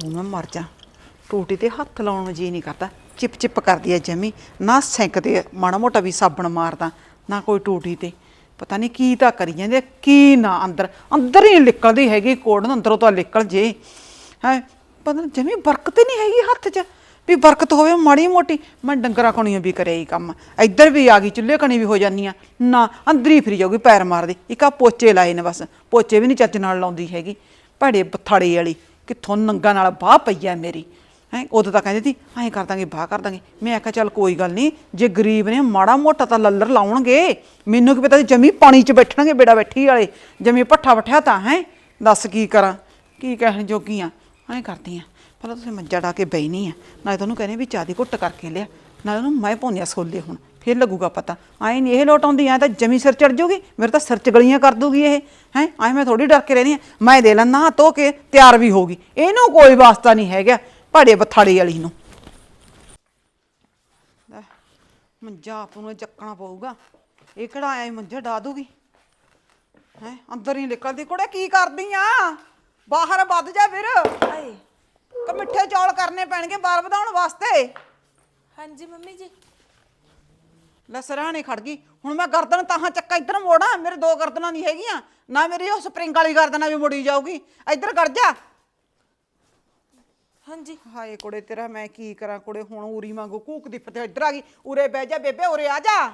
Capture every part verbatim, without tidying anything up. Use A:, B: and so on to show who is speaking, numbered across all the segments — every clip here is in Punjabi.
A: ਬੂ ਮੈਂ ਮਰ ਜਾ। ਟੂਟੀ ਤੇ ਹੱਥ ਲਾਉਣ ਨੂੰ ਜੀ ਨਹੀਂ ਕਰਦਾ, ਚਿਪ ਚਿਪ ਕਰਦੀ ਐ ਜਮੀ। ਨਾ ਸਿੰਕ ਤੇ ਮਾੜਾ ਮੋਟਾ ਵੀ ਸਾਬਣ ਮਾਰਦਾ, ਨਾ ਕੋਈ ਟੂਟੀ ਤੇ। ਪਤਾ ਨਹੀਂ ਕੀ ਤਾਂ ਕਰੀ ਜਾਂਦੇ ਕੀ ਨਾ, ਅੰਦਰ ਅੰਦਰ ਹੀ ਨਿਕਲਦੀ ਹੈਗੀ ਕੋੜ ਨੂੰ, ਅੰਦਰੋਂ ਤਾਂ ਨਿਕਲ ਜੇ ਹੈ। ਪਤਾ ਨਹੀਂ ਜਮੀ ਬਰਕਤ ਹੀ ਨਹੀਂ ਹੈਗੀ ਹੱਥ 'ਚ, ਵੀ ਬਰਕਤ ਹੋਵੇ ਮਾੜੀ ਮੋਟੀ। ਮੈਂ ਡੰਗਰਾਂ ਕਣੀਆਂ ਵੀ ਕਰਿਆ ਹੀ ਕੰਮ, ਇੱਧਰ ਵੀ ਆ ਗਈ ਚੁੱਲ੍ਹੇ ਕਣੀ ਵੀ ਹੋ ਜਾਂਦੀ ਆ ਨਾ, ਅੰਦਰ ਹੀ ਫਿਰੀ ਜਾਊਗੀ ਪੈਰ ਮਾਰਦੀ। ਇੱਕ ਆ ਪੋਚੇ ਲਾਏ ਨੇ ਬਸ, ਪੋਚੇ ਵੀ ਨਹੀਂ ਚੱਜ ਨਾਲ ਲਾਉਂਦੀ ਹੈਗੀ। ਭੜੇ ਬਥਾੜੇ ਵਾਲੀ ਕਿੱਥੋਂ ਨੰਗਾ ਨਾਲ ਬਾਹ ਪਈ ਆ ਮੇਰੀ ਹੈਂ। ਉਦੋਂ ਤਾਂ ਕਹਿੰਦੇ ਸੀ ਐਂ ਕਰ ਦਾਂਗੇ ਬਾਹ ਕਰ ਦਾਂਗੇ, ਮੈਂ ਆਖਿਆ ਚੱਲ ਕੋਈ ਗੱਲ ਨਹੀਂ, ਜੇ ਗਰੀਬ ਨੇ ਮਾੜਾ ਮੋਟਾ ਤਾਂ ਲੱਲਰ ਲਾਉਣਗੇ। ਮੈਨੂੰ ਕੀ ਪਤਾ ਸੀ ਜਮੀ ਪਾਣੀ 'ਚ ਬੈਠਣਗੇ ਬੇੜਾ ਬੈਠੀ ਵਾਲੇ, ਜਮੀ ਭੱਠਾ ਵੱਠਿਆ ਤਾਂ ਹੈ। ਦੱਸ ਕੀ ਕਰਾਂ, ਕੀ ਕਹਿਣ ਜੋਗੀ ਆ। ਐਂ ਕਰਦੀ ਆ ਪਹਿਲਾਂ ਤੁਸੀਂ ਮੰਜਾ ਡਾ ਕੇ ਬਹਿਨੀ ਆ, ਨਾਲੇ ਤੁਹਾਨੂੰ ਕਹਿੰਦੇ ਵੀ ਚਾਹ ਦੀ ਘੁੱਟ ਕਰਕੇ ਲਿਆ, ਨਾਲੇ ਉਹਨੂੰ ਮੈਂ ਪਾਉਂਦੀ ਛੋਲੇ ਹੁਣ, ਫਿਰ ਲੱਗੂਗਾ ਪਤਾ। ਐਂ ਨਹੀਂ ਇਹ ਲੋਟ ਆਉਂਦੀ, ਐਂ ਤਾਂ ਜਮੀ ਸਿਰ ਚੜ ਜੂਗੀ ਮੇਰੇ, ਤਾਂ ਸਿਰ 'ਚ ਗਲੀਆਂ ਕਰ ਦੂਗੀ ਇਹ ਹੈਂ। ਐਂ ਮੈਂ ਥੋੜ੍ਹੀ ਡਰ ਕੇ ਰਹਿੰਦੀ ਹਾਂ, ਮੈਂ ਦੇ ਲਾਂ ਨਹਾ ਧੋ ਕੇ ਤਿਆਰ ਵੀ ਹੋਊਗੀ, ਇਹਨੂੰ ਕੋਈ ਵਾਸਤਾ ਨਹੀਂ ਹੈਗਾ ਭਾੜੇ ਬਥਾੜੇ ਵਾਲੀ ਨੂੰ। ਮੰਜਾ ਆਪ ਨੂੰ ਚੱਕਣਾ ਪਊਗਾ, ਇਹ ਕਿਹੜਾ ਆਇਆ ਮੰਜਾ ਡਾ ਦੂਗੀ ਹੈਂ। ਅੰਦਰ ਹੀ ਨਿਕਲਦੀ। ਕੁੜੇ ਕੀ ਕਰਦੀ ਆ, ਬਾਹਰ ਵੱਧ ਜਾ ਫਿਰ। ਹਾਏ ਕਿ ਮਿੱਠੇ ਚੌਲ ਕਰਨੇ ਪੈਣਗੇ ਬਾਲ ਵਧਾਉਣ ਵਾਸਤੇ।
B: ਹਾਂਜੀ ਮੰਮੀ ਜੀ।
A: ਲੈ ਸਰਾਣੇ ਖੜ ਗਈ ਹੁਣ। ਮੈਂ ਗਰਦਨ ਤਾਹਾਂ ਚੱਕਾ ਇੱਧਰ ਮੋੜਾਂ, ਮੇਰੇ ਦੋ ਗਰਦਨਾਂ ਨਹੀਂ ਹੈਗੀਆਂ ਨਾ, ਮੇਰੀ ਉਹ ਸਪਰਿੰਗ ਵਾਲੀ ਗਰਦਨਾਂ ਵੀ ਮੁੜੀ ਜਾਊਗੀ। ਇੱਧਰ ਕਰ ਜਾ।
B: ਹਾਂਜੀ।
A: ਹਾਏ ਕੁੜੇ ਤੇਰਾ ਮੈਂ ਕੀ ਕਰਾਂ ਕੁੜੇ, ਹੁਣ ਉਰੀ ਵਾਂਗੂ ਕੂਕਦੀ ਫਿਰਦੇ। ਇੱਧਰ ਆ ਗਈ, ਉਰੇ ਬਹਿ ਜਾ ਬੇਬੇ, ਉਰੇ ਆ ਜਾ।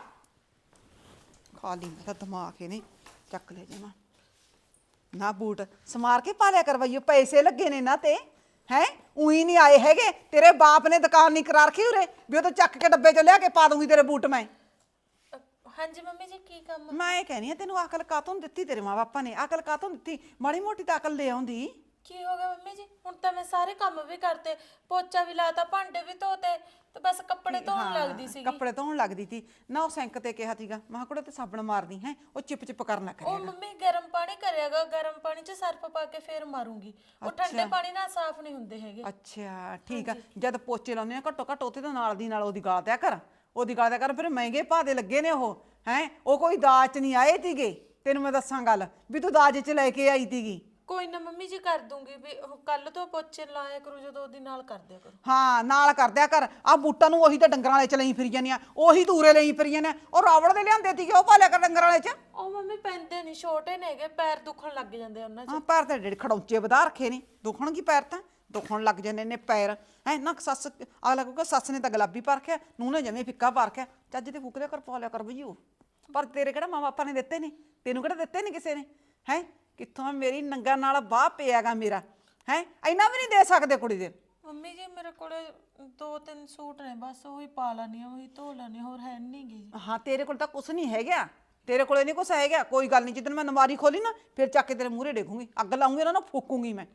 A: ਖਾਲੀ ਮੇਰਾ ਦਿਮਾਗ ਇਹਨੇ ਚੱਕ ਲੈ ਜਾਣਾ। ਨਾ ਬੂਟ ਸਮਾਰ ਕੇ ਪਾ ਲਿਆ ਕਰਵਾਈਓ, ਪੈਸੇ ਲੱਗੇ ਨੇ ਨਾ ਤੇ ਹੈਂ। ਉਹੀ ਨਹੀਂ ਆਏ ਹੈਗੇ, ਤੇਰੇ ਬਾਪ ਨੇ ਦੁਕਾਨ ਨਹੀਂ ਕਰਾ ਰੱਖੀ ਉਰੇ ਵੀ ਉਹ ਤਾਂ ਚੱਕ ਕੇ ਡੱਬੇ 'ਚ ਲਿਆ ਕੇ ਪਾ ਦੂੰਗੀ ਤੇਰੇ ਬੂਟ ਮੈਂ।
B: ਹਾਂਜੀ ਮੰਮੀ ਜੀ ਕੀ ਕੰਮ?
A: ਮੈਂ ਇਹ ਕਹਿਨੀ ਆ ਤੈਨੂੰ ਅਕਲ ਕਾਤੋਂ ਨੀ ਦਿੱਤੀ, ਤੇਰੇ ਮਾਂ ਬਾਪਾਂ ਨੇ ਅਕਲ ਕਾਤੋਂ ਦਿੱਤੀ? ਮਾੜੀ ਮੋਟੀ ਤਾਂ ਅਕਲ ਲੈ ਆਉਂਦੀ।
B: ਕੀ ਹੋ ਗਿਆ ਮੰਮੀ ਜੀ? ਹੁਣ ਤਾਂ ਮੈਂ ਸਾਰੇ ਕੰਮ ਵੀ ਕਰਤੇ, ਪੋਚਾ ਵੀ ਲਾਤਾ, ਭਾਂਡੇ ਵੀ ਧੋਤੇ, ਤੇ ਬਸ ਕੱਪੜੇ ਧੋਣ ਲੱਗਦੀ ਸੀ।
A: ਕੱਪੜੇ ਧੋਣ ਲੱਗਦੀ ਸੀ ਨਾ, ਉਹ ਸਿੰਕ ਤੇ ਕਿਹਾ ਸੀਗਾ ਮੈਂ ਕੁੜੇ ਤੇ ਸਾਬਣ ਮਾਰਦੀ ਹੈ, ਉਹ ਚਿਪ ਚਿਪ ਕਰਨਾ ਕਰਿਆ।
B: ਉਹ ਮੰਮੀ ਗਰਮ ਪਾਣੀ ਕਰਿਆਗਾ, ਗਰਮ ਪਾਣੀ 'ਚ ਸਰਫ ਪਾ ਕੇ ਫੇਰ ਮਾਰੂੰਗੀ, ਉਹ ਠੰਡੇ ਪਾਣੀ ਨਾਲ ਸਾਫ਼ ਨਹੀਂ ਹੁੰਦੇ ਹੈਗੇ।
A: ਅੱਛਾ ਠੀਕ ਆ। ਜਦ ਪੋਚੇ ਲਾਉਂਦੇ ਆ ਘੱਟੋ ਘੱਟ ਉੱਥੇ ਤਾਂ ਨਾਲ ਦੀ ਨਾਲ ਉਹਦੀ ਗਾਲ ਦਿਆ ਕਰ, ਉਹਦੀ ਗਾਲ ਦਿਆ ਕਰ। ਫਿਰ ਮਹਿੰਗੇ ਭਾਅ ਦੇ ਲੱਗੇ ਨੇ ਉਹ ਹੈਂ, ਉਹ ਕੋਈ ਦਾਜ 'ਚ ਨਹੀਂ ਆਏ ਸੀਗੇ। ਤੈਨੂੰ ਮੈਂ ਦੱਸਾਂ ਗੱਲ ਵੀ ਤੂੰ ਦਾਜ 'ਚ ਲੈ ਕੇ ਆਈ ਸੀਗੀ।
B: ਕੋਈ ਨਾ ਮੰਮੀ ਜੀ ਕਰ ਦੂੰਗੀ, ਵੀ ਕੱਲ ਤੋਂ ਪੋਚੇ ਲਾਇਆ ਕਰੂ ਜਦੋਂ ਉਹਦੀ ਨਾਲ ਕਰ ਦਿਆ ਕਰੋ।
A: ਹਾਂ ਨਾਲ ਕਰ ਦਿਆ ਕਰ। ਆ ਬੂਟਾਂ ਨੂੰ ਉਹੀ ਤਾਂ ਡੰਗਰਾਂ ਵਾਲੇ 'ਚ ਲਈ ਫਿਰੀ ਜਾਂਦੀਆਂ, ਉਹੀ ਤੂਰੇ ਲਈ ਫਿਰੀ ਜਾਂਦੀਆਂ। ਉਹ ਰਾਵੜ ਦੇ ਲਿਆਂਦੇ ਸੀਗੇ, ਉਹ ਪਾ ਲਿਆ ਕਰ ਡੰਗਰਾਂ ਵਾਲੇ 'ਚ।
B: ਉਹ ਮੰਮੀ ਪੈਂਦੇ ਨਹੀਂ, ਛੋਟੇ ਨੇਗੇ, ਪੈਰ ਦੁਖਣ ਲੱਗ ਜਾਂਦੇ ਉਹਨਾਂ 'ਚ।
A: ਹਾਂ ਪੈਰ ਤਾਂ ਜਿਹੜੇ ਖੜੌਂਚੇ ਵਧਾ ਰੱਖੇ ਨੇ, ਦੁਖਣ ਕੀ ਪੈਰ ਤਾਂ ਦੁਖਣ ਲੱਗ ਜਾਂਦੇ ਨੇ ਪੈਰ ਹੈਂ। ਨਾ ਸੱਸ ਅਗਲਾ ਕਹੂਗਾ ਸੱਸ ਨੇ ਤਾਂ ਗੁਲਾਬੀ ਪਾ ਰੱਖਿਆ, ਨੂੰਹ ਨੇ ਜਮੇ ਫਿੱਕਾ ਪਾ ਰੱਖਿਆ। ਚੱਜ ਤੇ ਫੂਕ ਦਿਆ ਕਰ, ਪਾ ਲਿਆ ਕਰ ਬਈ ਉਹ। ਪਰ ਤੇਰੇ ਕਿਹੜਾ ਮਾਂ ਬਾਪਾਂ ਨੇ ਦਿੱਤੇ ਨੇ, ਤੈਨੂੰ ਕਿਹੜਾ ਦਿੱਤੇ ਨੇ ਕਿਸੇ ਨੇ ਹੈਂ। ਕਿੱਥੋਂ ਮੇਰੀ ਨੰਗਾ ਨਾਲ ਬਾਹ ਪਿਆਗਾ ਮੇਰਾ ਹੈਂ, ਇੰਨਾ ਵੀ ਨਹੀਂ ਦੇ ਸਕਦੇ ਕੁੜੀ ਦੇ।
B: ਮੰਮੀ ਜੀ ਮੇਰੇ ਕੋਲੇ ਦੋ ਤਿੰਨ ਸੂਟ ਨੇ ਬਸ, ਉਹੀ ਪਾ ਲੈਣੀ, ਉਹੀ ਧੋ ਲੈਣੀ, ਹੋਰ ਹੈ ਨਹੀਂ ਗੀ।
A: ਹਾਂ ਤੇਰੇ ਕੋਲ ਤਾਂ ਕੁਛ ਨਹੀਂ ਹੈਗਾ, ਤੇਰੇ ਕੋਲੇ ਨਹੀਂ ਕੁਛ ਹੈਗਾ। ਕੋਈ ਗੱਲ ਨਹੀਂ, ਜਿੱਦਣ ਮੈਂ ਨਮਾਰੀ ਖੋਲੀ ਨਾ ਫਿਰ ਚੱਕ ਕੇ ਤੇਰੇ ਮੂਹਰੇ ਡੇਗੂੰਗੀ, ਅੱਗ ਲਾਉਂਗੀ ਉਹਨਾਂ ਨੂੰ, ਫੂਕੂੰਗੀ ਮੈਂ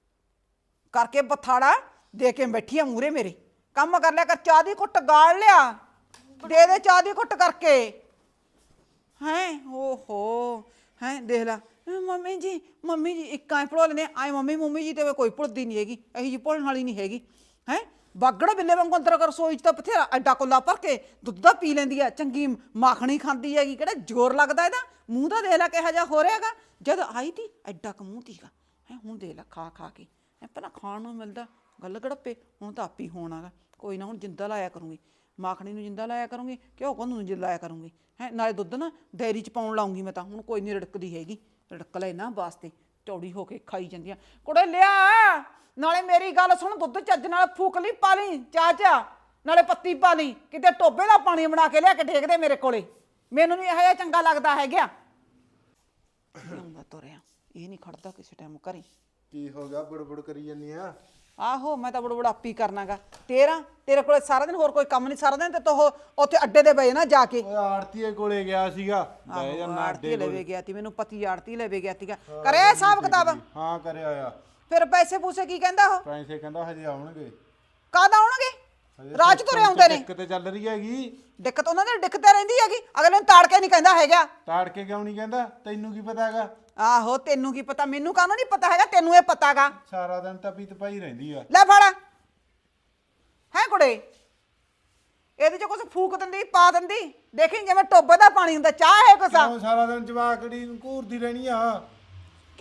A: ਕਰਕੇ ਬਥਾੜਾ ਦੇ ਕੇ ਬੈਠੀ ਆ ਮੂਹਰੇ ਮੇਰੇ। ਕੰਮ ਕਰ ਲਿਆ ਕਰ, ਚਾਹ ਦੀ ਘੁੱਟ ਗਾਲ ਲਿਆ, ਦੇ ਦੇ ਚਾਹ ਦੀ ਘੁੱਟ ਕਰਕੇ ਹੈਂ। ਓਹੋ ਹੈਂ ਦੇਖ ਲਾ ਮੰਮੀ ਜੀ, ਮੰਮੀ ਜੀ ਇੱਕ ਐਂ ਭੁਲਾ ਲੈਂਦੇ ਆਏ ਮੰਮੀ ਮੰਮੀ ਜੀ ਤੇ ਕੋਈ ਭੁੱਲਦੀ ਨਹੀਂ ਹੈਗੀ, ਇਹੀ ਜੀ ਭੁੱਲਣ ਵਾਲੀ ਨਹੀਂ ਹੈਗੀ ਹੈਂ। ਬਾਗੜ ਬਿੱਲੇ ਵਾਂਗੂ ਅੰਦਰ ਕਰ ਰਸੋਈ 'ਚ ਤਾਂ ਬਥੇਰਾ ਐਡਾ ਕੋਲਾ ਭਰ ਕੇ ਦੁੱਧ ਦਾ ਪੀ ਲੈਂਦੀ ਆ, ਚੰਗੀ ਮਾਖਣੀ ਖਾਂਦੀ ਹੈਗੀ, ਕਿਹੜਾ ਜ਼ੋਰ ਲੱਗਦਾ ਇਹਦਾ। ਮੂੰਹ ਦਾ ਦੇਖ ਲੈ ਕਿਹੋ ਜਿਹਾ ਹੋ ਰਿਹਾ ਹੈਗਾ, ਜਦ ਆਈ ਤੀ ਐਡਾ ਕੁ ਮੂੰਹ ਤੀਗਾ ਹੈਂ, ਹੁਣ ਦੇਖ ਲੈ ਖਾ ਖਾ ਕੇ ਹੈਂ। ਪਹਿਲਾਂ ਖਾਣ ਨੂੰ ਮਿਲਦਾ ਗੱਲ ਗੜੱਪੇ, ਹੁਣ ਤਾਂ ਆਪੀ ਹੋਣਾ ਗਾ। ਕੋਈ ਨਾ ਹੁਣ ਜਿੰਦਾ ਲਾਇਆ ਕਰੂੰਗੀ, ਮਾਖਣੀ ਨੂੰ ਜਿੰਦਾ ਲਾਇਆ ਕਰੂੰਗੀ, ਘਿਓ ਕੋਨੂੰ ਨੂੰ ਜਿੰਦਾ ਲਾਇਆ ਕਰੂੰਗੀ ਹੈਂ। ਨਾਲੇ ਦੁੱਧ ਨਾ ਡੈਰੀ 'ਚ ਪਾਉਣ ਲਾਉਂਗੀ ਮੈਂ ਤਾਂ, ਹੁਣ ਕੋਈ ਨਹੀਂ ਰੜਕਦੀ ਹੈਗੀ। ਰੜਕ ਲੈ ਇਹਨਾਂ ਵਾਸਤੇ, ਚੌੜੀ ਹੋ ਕੇ ਖਾਈ ਜਾਂਦੀਆਂ। ਕੁੜੇ ਲਿਆ ਨਾਲੇ ਮੇਰੀ ਗੱਲ ਸੁਣ, ਦੁੱਧ ਚੱਜ ਨਾਲ ਫੂਕ ਲਈ ਪਾ ਲਈ ਚਾਹ ਚਾਹ, ਨਾਲੇ ਪੱਤੀ ਪਾ ਲਈ, ਕਿਤੇ ਟੋਬੇ ਦਾ ਪਾਣੀ ਬਣਾ ਕੇ ਲਿਆ ਕੇ ਡੇਕ ਦੇ ਮੇਰੇ ਕੋਲੇ, ਮੈਨੂੰ ਨਹੀਂ ਇਹੋ ਜਿਹਾ ਚੰਗਾ ਲੱਗਦਾ ਹੈਗਾ। ਤੁਰਿਆ ਇਹ ਨਹੀਂ ਖੜਦਾ ਕਿਸੇ ਟਾਈਮ ਘਰੇ।
C: ਕੀ ਹੋ ਗਿਆ, ਬੁੜਬੁੜ ਕਰੀ ਜਾਂਦੀ ਆ?
A: ਆਹੋ ਮੈਂ ਤਾਂ ਬੜਬੜ ਆਪੀ ਕਰਨਾਗਾ ਤੇਰਾ, ਤੇਰੇ ਕੋਲੇ ਸਾਰਾ ਦਿਨ ਹੋਰ ਕੋਈ ਕੰਮ ਨਹੀਂ, ਸਾਰਾ ਦਿਨ ਤੇ ਤੋ ਉੱਥੇ ਅੱਡੇ ਦੇ ਬਏ ਨਾ ਜਾ ਕੇ।
C: ਓਏ ਆੜਤੀਏ ਕੋਲੇ ਗਿਆ ਸੀਗਾ, ਬਹਿ ਜਾ ਨਾ ਅੱਡੇ
A: ਆੜਤੀ ਲਵੇ ਗਿਆ ਤੀ, ਮੈਨੂੰ ਪਤੀ ਆੜਤੀ ਲਵੇ ਗਿਆ ਤੀਗਾ। ਕਰਿਆ ਹਿਸਾਬ ਕਿਤਾਬ?
C: ਹਾਂ ਕਰਿਆ ਆ।
A: ਫਿਰ ਪੈਸੇ ਪੂਸੇ ਕੀ ਕਹਿੰਦਾ ਉਹ?
C: ਪੈਸੇ ਕਹਿੰਦਾ ਹਜੇ ਆਉਣਗੇ।
A: ਕਦ ਆਉਣਗੇ? ਰਾਜ ਤੁਰੇ ਆਉਂਦੇ ਨੇ।
C: ਦਿੱਕਤ ਚੱਲ ਰਹੀ ਹੈਗੀ।
A: ਦਿੱਕਤ ਉਹਨਾਂ ਦੀ ਦਿੱਕਤ ਰਹਿੰਦੀ ਹੈਗੀ, ਅਗਲੇ ਨੂੰ ਤਾੜ ਕੇ ਨਹੀਂ ਕਹਿੰਦਾ ਹੈਗਾ।
C: ਤਾੜ ਕੇ ਕਿਉਂ ਨਹੀਂ ਕਹਿੰਦਾ, ਤੈਨੂੰ ਕੀ ਪਤਾ ਹੈਗਾ?
A: ਆਹੋ ਤੈਨੂੰ ਕੀ ਪਤਾ, ਮੈਨੂੰ ਕਾਹਨੂੰ ਨਹੀਂ ਪਤਾ ਹੈਗਾ, ਤੈਨੂੰ ਇਹ ਪਤਾ ਗਾ।
C: ਸਾਰਾ ਦਿਨ ਤਾਂ ਪੀਤ ਪਾਈ ਰਹਿੰਦੀ ਆ।
A: ਲੈ ਫੜ ਹੈ ਕੁੜੇ, ਇਹਦੇ ਚ ਕੁਛ ਫੂਕ ਦਿੰਦੀ ਪਾ ਦਿੰਦੀ, ਦੇਖੀ ਜਿਵੇਂ ਟੋਬੇ ਦਾ ਪਾਣੀ ਹੁੰਦਾ, ਚਾਹ ਹੈ ਕੁਛ।
C: ਸਾਰਾ ਦਿਨ ਜਵਾਕੜੀ ਨੂੰ ਘੂਰਦੀ ਰਹਿਣੀ ਆ।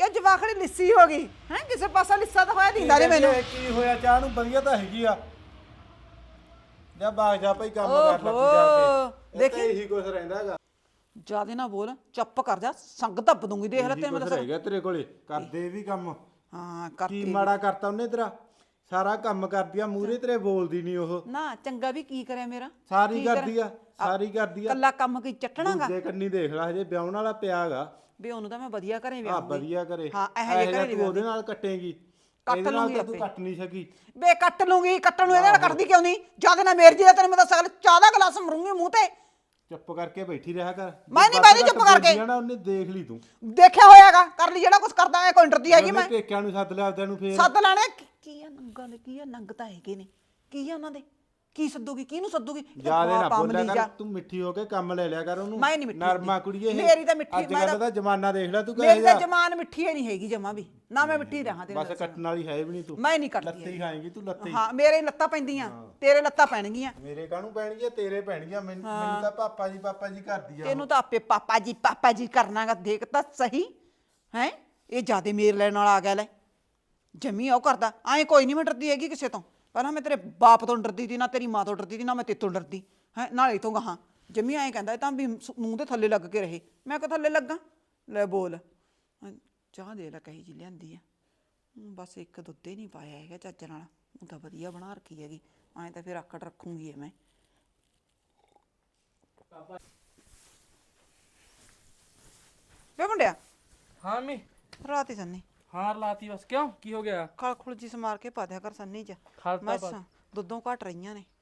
A: ਕਿ ਜਵਾਖੜੀ ਲਿੱਸੀ ਹੋ ਗਈ ਹੈ ਕਿਸੇ ਪਾਸਾ ਲਿੱਸਾ ਤਾਂ ਹੋਇਆ ਦਿੰਦਾ ਨਹੀਂ ਮੈਨੂੰ
C: ਕੀ ਹੋਇਆ ਚਾਹ ਨੂੰ ਵਧੀਆ ਤਾਂ ਹੈਗੀ ਆ ਜਾ ਬਾਗ ਜਾ ਭਾਈ ਕੰਮ ਕਰ ਲੈ ਤੂੰ ਜਾ ਕੇ ਦੇਖੀ ਇਹੀ ਕੁਝ ਰਹਿੰਦਾ ਹੈਗਾ
A: ਜਿਆਦੇ ਨਾ ਬੋਲ ਚੁੱਪ ਕਰ ਜਾ ਸੰਗ ਧੱਪ ਦੂੰਗੀ ਦੇਖ ਲੈ ਤੈਨੂੰ ਮੈਂ ਦੱਸ
C: ਹੈਗਾ ਤੇਰੇ ਕੋਲੇ ਕਰਦੇ ਵੀ ਕੰਮ
A: ਹਾਂ
C: ਕੀ
A: ਕਰਤੀ
C: ਮਾੜਾ ਕਰਤਾ ਉਹਨੇ ਤੇਰਾ ਸਾਰਾ ਕੰਮ ਕਰਦੀ ਆ ਮੂਰੇ ਤੇਰੇ ਬੋਲਦੀ ਨਹੀਂ ਉਹ
A: ਨਾ ਚੰਗਾ ਵੀ ਕੀ ਕਰਿਆ ਮੇਰਾ
C: ਸਾਰੀ ਕਰਦੀ ਆ ਸਾਰੀ ਕਰਦੀ ਆ
A: ਕੱਲਾ ਕੰਮ ਕੀ ਚੱਟਣਾਗਾ
C: ਦੂਜੇ ਕੰਨੀ ਦੇਖ ਲੈ ਹਜੇ ਵਿਆਹਣ ਵਾਲਾ ਪਿਆਗਾ
A: ਵੀ ਉਹਨੂੰ ਤਾਂ ਮੈਂ ਵਧੀਆ ਘਰੇ
C: ਆ
A: ਵਿਆਹੂੰਗੀ
C: ਵਧੀਆ ਕਰੇ
A: ਹਾਂ ਇਹੋ ਜਿਹੇ ਘਰੇ
C: ਤੂੰ ਉਹਦੇ ਨਾਲ ਕੱਟੇਗੀ
A: ਕੱਟ
C: ਇਹਦੇ ਨਾਲ
A: ਲੂੰਗੀ
C: ਤਾਂ ਤੂੰ
A: ਆਪੇ।
C: ਕੱਟ ਨਹੀਂ ਸਕੀ
A: ਬੇ ਕੱਟ ਲੂੰਗੀ ਕੱਟਣ ਨੂੰ ਇਹਦੇ ਨਾਲ ਕੱਟਦੀ ਕਿਉਂ ਨਹੀਂ ਜਿਆਦੇ ਨਾ ਮੇਰ ਜੀ ਦਾ ਤੈਨੂੰ ਮੈਂ ਦੱਸਾਂ ਚਾਹ ਦਾ ਗਲਾਸ ਮਰੂੰਗੀ ਮੂੰਹ ਤੇ
C: ਚੁੱਪ ਕਰਕੇ ਬੈਠੀ ਰਿਹਾ ਕਰ
A: ਮੈਂ ਨਹੀਂ ਬੈਠੀ ਚੁੱਪ ਕਰਕੇ।
C: ਨਾ ਉਹਨੇ ਦੇਖ ਲਈ ਤੂੰ
A: ਦੇਖਿਆ ਹੋਇਆਗਾ ਕਰ ਲਈ ਜਿਹੜਾ ਕੁਝ ਕਰਦਾ ਐ ਕੋਈ ਡਰਦੀ ਹੈਗੀ ਮੈਂ
C: ਉਹਨੇ ਪੇਕਿਆਂ ਨੂੰ ਸੱਦ ਲਿਆ ਆਪਦਿਆਂ ਨੂੰ ਫੇਰ
A: ਸੱਦ ਲੈਣੇ ਕੀ- ਕੀ ਆ ਨੰਗਾ ਨੇ ਕੀ ਆ ਨੰਗ ਤਾਂ ਹੈਗੇ ਨੇ ਕੀ ਆ ਉਹਨਾਂ ਦੇ ਕੀ ਸੱਦੂਗੀ ਕਿਹਨੂੰ ਸੱਦੂਗੀ ਇਹ
C: ਜਿਆਦੇ ਨਾ
A: ਬਾਪ
C: ਬੋਲਿਆ
A: ਅਮਲੀ
C: ਕਰ
A: ਜਾ।
C: ਤੂੰ ਮਿੱਠੀ ਹੋ ਕੇ ਕੰਮ ਲੈ ਲਿਆ ਕਰ ਉਹਨੂੰ
A: ਮੈਂ ਨਹੀਂ ਮਿੱਠੀ
C: ਨਰਮਾ
A: ਹੁੰਦੀ।
C: ਕੁੜੀਏ ਇਹ
A: ਮੇਰੀ ਤਾਂ ਮਿੱਠੀ-
C: ਅੱਜ
A: ਮੈਂ
C: ਕੱਲ ਦਾ ਜ਼ਮਾਨਾ ਦੇਖ ਲੈ ਤੂੰ ਕਹੇ
A: ਮੇਰੀ ਤਾਂ
C: ਜਾ
A: ਜਮਾਨ ਮਿੱਠੀ ਹੀ ਨਹੀਂ ਹੈਗੀ ਜਮਾ ਵੀ ਨਾ ਮੈਂ ਮਿੱਠੀ ਰਹਾ ਤੇਰੇ
C: ਬਸ
A: ਨਾਲ।
C: ਕੱਟਣ ਵਾਲੀ ਹੈ ਵੀ ਨਹੀਂ ਤੂੰ
A: ਮੈਂ ਨਹੀਂ ਕੱਟਦੀ
C: ਲੱਤੀ ਖਾਏਂਗੀ ਤੂੰ ਲੱਤੀ
A: ਹਾਂ ਮੇਰੇ ਲੱਤਾਂ ਪੈਂਦੀਆਂ ਤੇਰੇ ਲੱਤਾਂ ਪੈਣਗੀਆਂ
C: ਮੇਰੇ ਕਾਹਨੂੰ ਪੈਣਗੀਆਂ ਤੇਰੇ ਪੈਣਗੀਆਂ ਮੈਨੂੰ ਮੈਨੂੰ ਤਾਂ ਪਾਪਾ ਜੀ ਪਾਪਾ ਜੀ ਕਰਦੀ ਆ
A: ਇਹਨੂੰ ਤਾਂ ਆਪੇ ਪਾਪਾ ਜੀ ਪਾਪਾ ਜੀ ਕਰਨਾਗਾ ਦੇਖ ਤਾਂ ਸਹੀ ਹੈ ਇਹ ਜਿਆਦੇ ਮੇਰ ਲੈਣ ਵਾਲਾ ਆ ਗਿਆ ਲੈ ਜਮੀ ਉਹ ਕਰਦਾ ਐਂ ਕੋਈ ਨਹੀਂ ਮੈਂ ਡਰਦੀ ਹੈਗੀ ਕਿਸੇ ਤੋਂ ਪਹਿਲਾਂ ਮੈਂ ਤੇਰੇ ਬਾਪ ਤੋਂ ਡਰਦੀ ਸੀ ਨਾ ਤੇਰੀ ਮਾਂ ਤੋਂ ਡਰਦੀ ਸੀ ਨਾ ਮੈਂ ਤੇਤੋਂ ਡਰਦੀ ਹੈ ਨਾਲੇ ਤੋਂ ਗਾਹਾਂ ਜਮੀ ਐਂ ਕਹਿੰਦਾ ਇਹ ਤਾਂ ਵੀ ਸ- ਮੂੰਹ ਦੇ ਥੱਲੇ ਲੱਗ ਕੇ ਰਹੇ ਮੈਂ ਕਿ ਥੱਲੇ ਲੱਗਾ ਲੈ ਬੋਲ ਹਾਂ, ਚਾਹ ਦੇ ਲੈ ਕਹੀ ਜੀ ਲਿਆਂਦੀ ਆ ਹਮ, ਬਸ ਇੱਕ ਦੁੱਧ ਹੀ ਨਹੀਂ ਪਾਇਆ ਹੈਗਾ ਚੱਜ ਨਾਲ ਉਹ ਤਾਂ ਵਧੀਆ ਬਣਾ ਰੱਖੀ ਹੈਗੀ ਐਂ ਤਾਂ ਫਿਰ ਆਕੜ ਰੱਖੂੰਗੀ ਇਹ ਮੈਂ ਵੇ ਮੁੰਡਿਆ
D: ਹਾਂ ਮੈਂ
A: ਰਾਤ ਹੀ ਸੰਨੀ
D: ਹਾਰ ਲਾਤੀ ਬਸ ਕਿਉਂ ਕੀ ਹੋ ਗਿਆ
A: ਖਲ ਖੁਲ ਜੀ ਸਮਾਰ ਕੇ ਪਾ ਦਿਆ ਕਰ ਸੰਨੀ ਚ
D: ਖਲਤਾ
A: ਮੈਂ
D: ਪਾ-
A: ਦੁੱਧੋਂ ਘਟ ਰਹੀਆਂ ਨੇ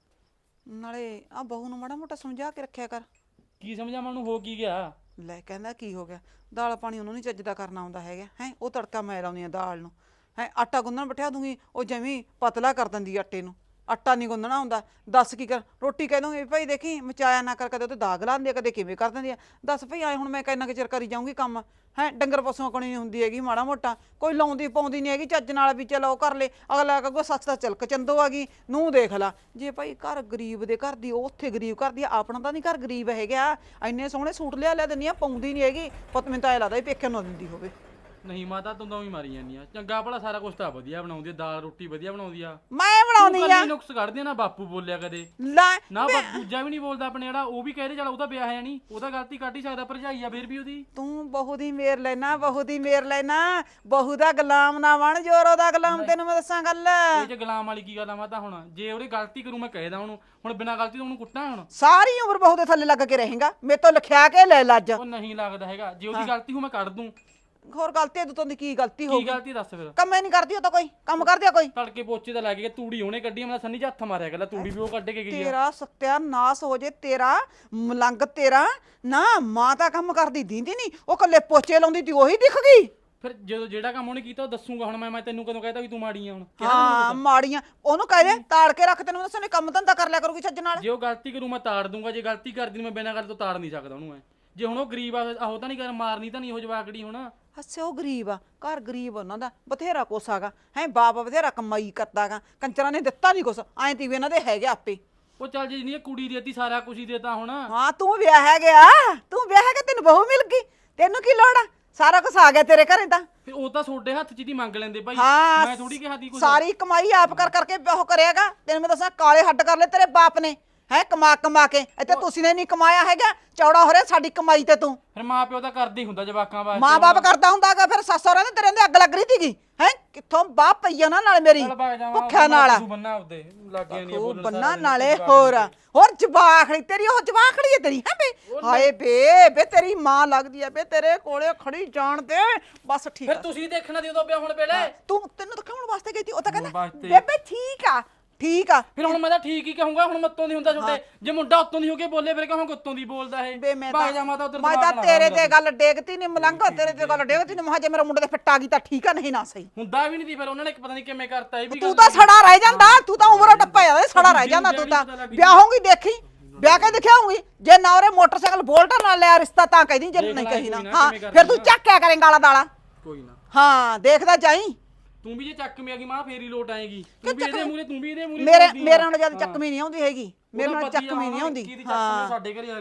A: ਨਾਲੇ ਆ ਬਹੂ ਨੂੰ ਮਾੜਾ ਮੋਟਾ ਸਮਝਾ ਕੇ ਰੱਖਿਆ ਕਰ
D: ਕੀ ਸਮਝਾਂ ਮੈਨੂੰ ਹੋ ਕੀ ਗਿਆ
A: ਲੈ ਕਹਿੰਦਾ ਕੀ ਹੋ ਗਿਆ ਦਾਲ ਪਾਣੀ ਉਹਨੂੰ ਨਹੀਂ ਚੱਜਦਾ ਕਰਨਾ ਆਉਂਦਾ ਹੈਗਾ ਹੈ ਉਹ ਤੜਕਾ ਮੈਂ ਲਾਉਂਦੀ ਆ ਦਾਲ ਨੂੰ ਹੈ ਆਟਾ ਗੁੰਨਣ ਬਿਠਾ ਦੂੰਗੀ ਉਹ ਜਮੀ ਪਤਲਾ ਕਰ ਦਿੰਦੀ ਆਟੇ ਨੂੰ ਆਟਾ ਨਹੀਂ ਗੁੰਨਣਾ ਹੁੰਦਾ ਦੱਸ ਕੀ ਕਰ ਰੋਟੀ ਕਹਿ ਦੂੰਗੀ ਭਾਈ ਦੇਖੀ ਮਚਾਇਆ ਨਾ ਕਰ ਕਦੇ ਉਹਤੇ ਦਾਗ ਲਾਉਂਦੀ ਆ ਕਦੇ ਕਿਵੇਂ ਕਰ ਦਿੰਦੀ ਆ ਦੱਸ ਭਈ ਆਏ ਹੁਣ ਮੈਂ ਕਿੰਨਾ ਕੁ ਚਿਰ ਕਰੀ ਜਾਊਂਗੀ ਕੰਮ ਹੈ ਡੰਗਰ ਪਸ਼ੂਆਂ ਕੋਲ ਨਹੀਂ ਹੁੰਦੀ ਹੈਗੀ ਮਾੜਾ ਮੋਟਾ ਕੋਈ ਲਾਉਂਦੀ ਪਾਉਂਦੀ ਨਹੀਂ ਹੈਗੀ ਚੱਜ ਨਾਲ ਵੀ ਚਲੋ ਉਹ ਕਰ ਲੈ ਅਗਲਾ ਕਹੂਗਾ ਸੱਚ ਦਾ ਚਲਕ ਚੰਦੋ ਆ ਗਈ ਨੂੰ ਦੇਖ ਲਾ ਜੇ ਭਾਈ ਘਰ ਗਰੀਬ ਦੇ ਘਰ ਦੀ ਉਹ ਉੱਥੇ ਗਰੀਬ ਘਰ ਦੀ ਆ, ਆਪਣਾ ਤਾਂ ਨਹੀਂ ਘਰ ਗਰੀਬ ਹੈਗਾ ਇੰਨੇ ਸੋਹਣੇ ਸੂਟ ਲਿਆ ਲਿਆ ਦਿੰਦੀ ਆ ਪਾਉਂਦੀ ਨਹੀਂ ਹੈਗੀ ਪੁੱਤ ਮੈਨੂੰ ਤਾਂ ਇਹ ਲੱਗਦਾ ਵੀ ਪੇਕੇ ਨੂੰ ਦਿੰਦੀ ਹੋਵੇ
D: ਨਹੀਂ ਮਾਤਾ ਤੂੰ ਤਾਂ ਹੀ ਮਾਰੀ ਜਾਂਦੀ ਆ ਚੰਗਾ ਭਲਾ ਸਾਰਾ ਕੁਝ ਤਾਂ ਵਧੀਆ ਬਣਾਉਂਦੀ ਆ ਦਾਲ ਰੋਟੀ ਵਧੀਆ ਬਣਾਉਂਦੀ ਆ
A: ਮੈਂ ਬਣਾਉਂਦੀ ਆ
D: ਕੱਲੀ ਨੁਕਸ ਕੱਢਦੀ ਆ ਨਾ ਬਾਪੂ ਬੋਲਿਆ ਕਦੇ
A: ਲੈ
D: ਨਾ ਬਾ ਦੂਜਾ ਵੀ ਨਹੀਂ ਬੋਲਦਾ ਆਪਣੇ ਜਿਹੜਾ ਉਹ ਵੀ ਕਹਿੰਦੇ ਚਲ ਉਹਦਾ ਵਿਆਹ ਹੈ ਨਹੀਂ ਉਹਦਾ ਗਲਤੀ ਕੱਢ ਹੀ ਸਕਦਾ ਭਰਜਾਈ ਆ ਫੇਰ ਵੀ ਉਹਦੀ
A: ਤੂੰ ਬਹੂ ਦੀ ਮੇਰ ਲੈਣਾ ਬਹੂ ਦੀ ਮੇਰ ਲੈਣਾ ਬਹੂ ਦਾ ਗੁਲਾਮ ਨਾ ਬਣ ਜੋਰੋ ਦਾ ਗੁਲਾਮ ਤੈਨੂੰ ਮੈਂ ਦੱਸਾਂ ਗੱਲ
D: ਇਹ ਚ ਗੁਲਾਮ ਵਾਲੀ ਕੀ ਗੱਲ ਆ ਮਾਤਾ ਹੁਣ ਜੇ ਉਹਦੀ ਗਲਤੀ ਕਰੂ ਮੈਂ ਕਹਿਦਾ ਉਹਨੂੰ ਹੁਣ ਬਿਨਾਂ ਗਲਤੀ ਤੋਂ ਉਹਨੂੰ ਕੁੱਟਾਂ ਹੁਣ
A: ਸਾਰੀ ਉਮਰ ਬਹੂ ਦੇ ਥੱਲੇ ਲੱਗ ਕੇ ਰਹੇਗਾ ਮੇਰੇ ਤੋਂ ਲਿਖਿਆ ਕੇ ਲੈ ਲੱਜ
D: ਉਹ ਨਹੀਂ ਲੱਗਦਾ ਹੈਗਾ ਜੇ ਉਹਦੀ ਗਲਤੀ ਹੋ ਮੈਂ ਕੱਢ ਦੂੰ
A: ਹੋਰ ਗਲਤੀ ਹੈ ਤੋਂ ਦੀ ਕੀ ਗਲਤੀ ਹੋ
D: ਕੀ ਗਲਤੀ ਦੱਸ ਫਿਰ
A: ਕੰਮ ਹੀ ਨਹੀਂ ਕਰਦੀ ਉਹ ਤਾਂ ਕੋਈ ਕੰਮ ਕਰਦੀ ਆ ਕੋਈ
D: ਤੜਕੇ ਪੋਚੇ ਤਾਂ ਲੱਗ ਗਿਆ ਤੂੜੀ ਉਹਨੇ ਕੱਢੀ ਆ, ਮੈਂ ਸੰਨੀ 'ਚ ਹੱਥ ਮਾਰਿਆ ਗੱਲਾਂ ਤੂੜੀ ਵੀ ਉਹ ਕੱਢ ਕੇ ਗਈ ਆ
A: ਤੇਰਾ ਸਤਿਆਨਾਸ਼ ਹੋ ਜੇ ਤੇਰਾ ਮਲੰਗ ਤੇਰਾ ਨਾ ਮਾਂ ਤਾਂ ਕੰਮ ਕਰਦੀ ਦੀਂਦੀ ਨਹੀਂ ਉਹ ਕੱਲੇ ਪੋਚੇ ਲਾਉਂਦੀ ਤੀ ਉਹੀ ਦਿਖ ਗਈ
D: ਫਿਰ ਜਦੋਂ ਜਿਹੜਾ ਕੰਮ ਉਹਨੇ ਕੀਤਾ ਉਹ ਦੱਸੂਗਾ ਹੁਣ ਮੈਂ ਮੈਂ ਤੈਨੂੰ ਕਦੋਂ ਕਹਿਤਾ ਵੀ ਤੂੰ ਮਾੜੀ ਆ ਹੁਣ
A: ਹਾਂ ਮਾੜੀਆਂ ਉਹਨੂੰ ਕਹਿ ਦੇ ਤਾੜ ਕੇ ਰੱਖ ਤੈਨੂੰ ਦੱਸਣੇ ਕੰਮ ਧੰਦਾ ਕਰ ਲਿਆ ਕਰੂਗੀ ਛੱਜ ਨਾਲ
D: ਜੇ ਉਹ ਗਲਤੀ ਕਰੂ ਮੈਂ ਤਾੜ ਦੂੰਗਾ ਜੇ ਗਲਤੀ ਕਰਦੀ ਨੂੰ ਮੈਂ ਬਿਨਾਂ ਗੱਲ ਤੋਂ ਤਾੜ ਨਹੀਂ ਸਕਦਾ ਉਹਨੂੰ ਮੈਂ ਜੇ ਹੁਣ ਉਹ ਗਰੀਬ ਆ ਆਹੋ ਤਾਂ ਨਹੀਂ ਕਰ ਮਾਰਨੀ ਤਾਂ ਨਹੀਂ ਉਹ ਜਵਾਕੜੀ ਹੁਣ
A: ਹੱਸੇ ਉਹ ਗਰੀਬ ਆ ਘਰ ਗਰੀਬ ਉਹਨਾਂ ਦਾ ਬਥੇਰਾ ਕੁਛ ਹੈਗਾ ਹੈ ਬਾਪ ਬਥੇਰਾ ਕਮਾਈ ਕਰਦਾਗਾ ਕੰਚਰਾਂ ਨੇ ਦਿੱਤਾ ਨਹੀਂ ਕੁਛ ਐਂ ਤੀ ਵੀ ਇਹਨਾਂ ਦੇ ਹੈਗੇ ਆਪੇ
D: ਉਹ ਚੱਲ ਜੇ ਨਹੀਂ ਕੁੜੀ ਦੇਤੀ ਸਾਰਾ ਕੁਝ ਹੀ ਦੇਤਾ ਹੁਣ
A: ਹਾਂ ਤੂੰ ਵਿਆਹ ਹੈ ਗਿਆ ਤੂੰ ਵਿਆਹ ਹੈ ਗਿਆ ਤੈਨੂੰ ਬਹੂ ਮਿਲ ਗਈ ਤੈਨੂੰ ਕੀ ਲੋੜ ਆ ਸਾਰਾ ਕੁਛ ਆ ਗਿਆ ਤੇਰੇ ਘਰੇ ਤਾਂ
D: ਫਿਰ ਉਹ ਤਾਂ ਤੁਹਾਡੇ ਹੱਥ 'ਚ ਦੀ ਮੰਗ ਲੈਂਦੇ ਭਾਈ
A: ਹਾਂ
D: ਮੈਂ ਥੋੜੀ ਕਿਹਾ ਦੀ ਕੁਝ
A: ਸਾਰੀ ਕਮਾਈ ਆਪ ਕਰ ਕਰਕੇ ਉਹ ਕਰਿਆਗਾ ਤੈਨੂੰ ਮੈਂ ਦੱਸਾਂ ਕਾਲੇ ਹੱਡ ਕਰ ਲੈ ਤੇਰੇ ਬਾਪ ਨੇ ਹੈ ਕਮਾ ਕਮਾ ਕੇ ਇੱਥੇ ਤੁਸੀਂ ਨੇ ਨਹੀਂ ਕਮਾਇਆ ਹੈਗਾ ਚੌੜਾ ਹੋ ਰਿਹਾ ਸਾਡੀ ਕਮਾਈ ਤੇ ਤੂੰ
D: ਫਿਰ ਮਾਂ ਪਿਓ ਤਾਂ ਕਰਦੇ ਹੀ ਹੁੰਦਾ ਜਵਾਕਾਂ ਵਾਸਤੇ
A: ਮਾਂ ਬਾਪ ਕਰਦਾ ਹੁੰਦਾਗਾ ਫਿਰ ਸੱਸ ਸਹੁਰੇ ਨੇ ਤੇਰੇ ਦੇ ਅੱਗ ਲੱਗ ਰਹੀ ਸੀਗੀ ਹੈ ਕਿੱਥੋਂ ਬਾਪ ਪਈ ਉਹਨਾਂ ਨਾਲ ਮੇਰੀ
D: ਚੱਲ ਭਾਗ ਜਾਵਾਂ
A: ਭੁੱਖਿਆ ਨਾਲ
D: ਬੰਨਾ ਉਹਦੇ ਲੱਗੇ ਨਹੀਂ
A: ਉਹ
D: ਬੋਲਣ
A: ਬੰਨਾ ਨਾਲੇ ਹੋਰ ਹੋਰ ਜਵਾਖੜੀ ਤੇਰੀ ਉਹ ਜਵਾਖੜੀ ਹੈ ਤੇਰੀ ਹੈ ਬੇ ਹਾਏ ਬੇ ਬੇ ਤੇਰੀ ਮਾਂ ਲੱਗਦੀ ਹੈ ਬੇ ਤੇਰੇ ਕੋਲੇ ਖੜੀ ਜਾਣ ਤੇ ਬਸ ਠੀਕ
D: ਫਿਰ
A: ਆ
D: ਤੁਸੀਂ ਦੇਖਣਾ ਦੀ ਉਦੋਂ ਪਿਆ ਹੁਣ ਵੇਲੇ
A: ਤੂੰ ਤੈਨੂੰ ਦਿਖਾਉਣ ਵਾਸਤੇ ਗਈ ਸੀ ਉਹ ਤਾਂ ਕਹਿੰਦਾ
D: ਵਾਸਤੇ।
A: ਬੇਬੇ ਠੀਕ ਆ ਠੀਕ ਆ
D: ਫਿਰ ਹੁਣ ਮੈਂ ਤਾਂ ਠੀਕ ਹੀ ਕਹੂੰਗਾ ਹੁਣ ਮੱਤੋਂ ਦੀ ਹੁੰਦਾ ਛੋਟੇ ਜੇ ਮੁੰਡਾ ਉੱਤੋਂ ਦੀ ਹੋ ਕੇ ਬੋਲੇ ਫਿਰ ਕਹੂੰਗਾ ਉੱਤੋਂ ਦੀ ਬੋਲਦਾ ਇਹ
A: ਬੇ ਮੈਂ
D: ਭਾਗ
A: ਤਾਂ
D: ਜਾਵਾਂ ਤਾਂ ਉਧਰ
A: ਮੈਂ ਤਾਂ ਤੇਰੇ ਤੇ ਗੱਲ ਡੇਗਤੀ ਨਹੀਂ ਮਲੰਗਾ ਤੇਰੇ ਤੇ ਗੱਲ ਡੇਗਤੀ ਨਹੀਂ ਮਹਾ ਜੇ ਮੇਰਾ ਮੁੰਡੇ ਤੇ ਫਿੱਟ ਆ ਗਈ ਤਾਂ ਠੀਕ ਆ ਨਹੀਂ ਨਾ ਸਹੀ
D: ਹੁੰਦਾ ਵੀ ਨਹੀਂ ਦੀ ਫਿਰ ਉਹਨਾਂ ਨੇ ਪਤਾ ਨਹੀਂ ਕਿਵੇਂ ਕਰਤਾ ਇਹ ਵੀ
A: ਤੂੰ ਤਾਂ ਸੜਾ ਰਹਿ ਜਾਂਦਾ ਤੂੰ ਤਾਂ ਉਮਰੋਂ ਟੱਪਾ ਜਾਂਦਾ ਸੜਾ ਰਹਿ ਜਾਂਦਾ ਤੂੰ ਤਾਂ ਵਿਆਹੋਂਗੀ ਦੇਖੀ ਵਿਆਹ ਕੇ ਦਿਖਾਉਂਗੀ ਜੇ ਨਾ ਉਹਰੇ ਮੋਟਰਸਾਈਕਲ ਬੋਲਟਰ ਨਾਲ ਲਿਆ ਰਿਸ਼ਤਾ ਤਾਂ ਕਹਿਦੀ ਜੇ ਨਹੀਂ ਕਹੀ ਨਾ ਹਾਂ ਫਿਰ ਤੂੰ ਚੱਕਿਆ ਕਰੇਂਗਾ ਆਲਾ ਦਾਲਾ
D: ਕੋਈ ਨਾ
A: ਹਾਂ ਦੇਖਦਾ ਜਾਈ
D: ਤੂੰ ਵੀ ਜੇ ਚੱਕ ਮੇ ਆ ਗਈ ਮਾਂ ਫੇਰ ਹੀ ਲੋਟ ਆਏਗੀ ਤੂੰ ਵੀ ਇਹਦੇ ਮੂਰੇ ਤੂੰ ਵੀ ਇਹਦੇ ਮੂਰੇ
A: ਮੇਰੇ ਮੇਰੇ ਨਾਲ ਜਦ ਚੱਕਵੀਂ ਨਹੀਂ ਆਉਂਦੀ ਹੈਗੀ ਮੇਰੇ ਨਾਲ ਚੱਕਵੀਂ ਨਹੀਂ ਆਉਂਦੀ
D: ਹਾਂ ਸਾਡੇ ਘਰੇ ਆ ਗਈ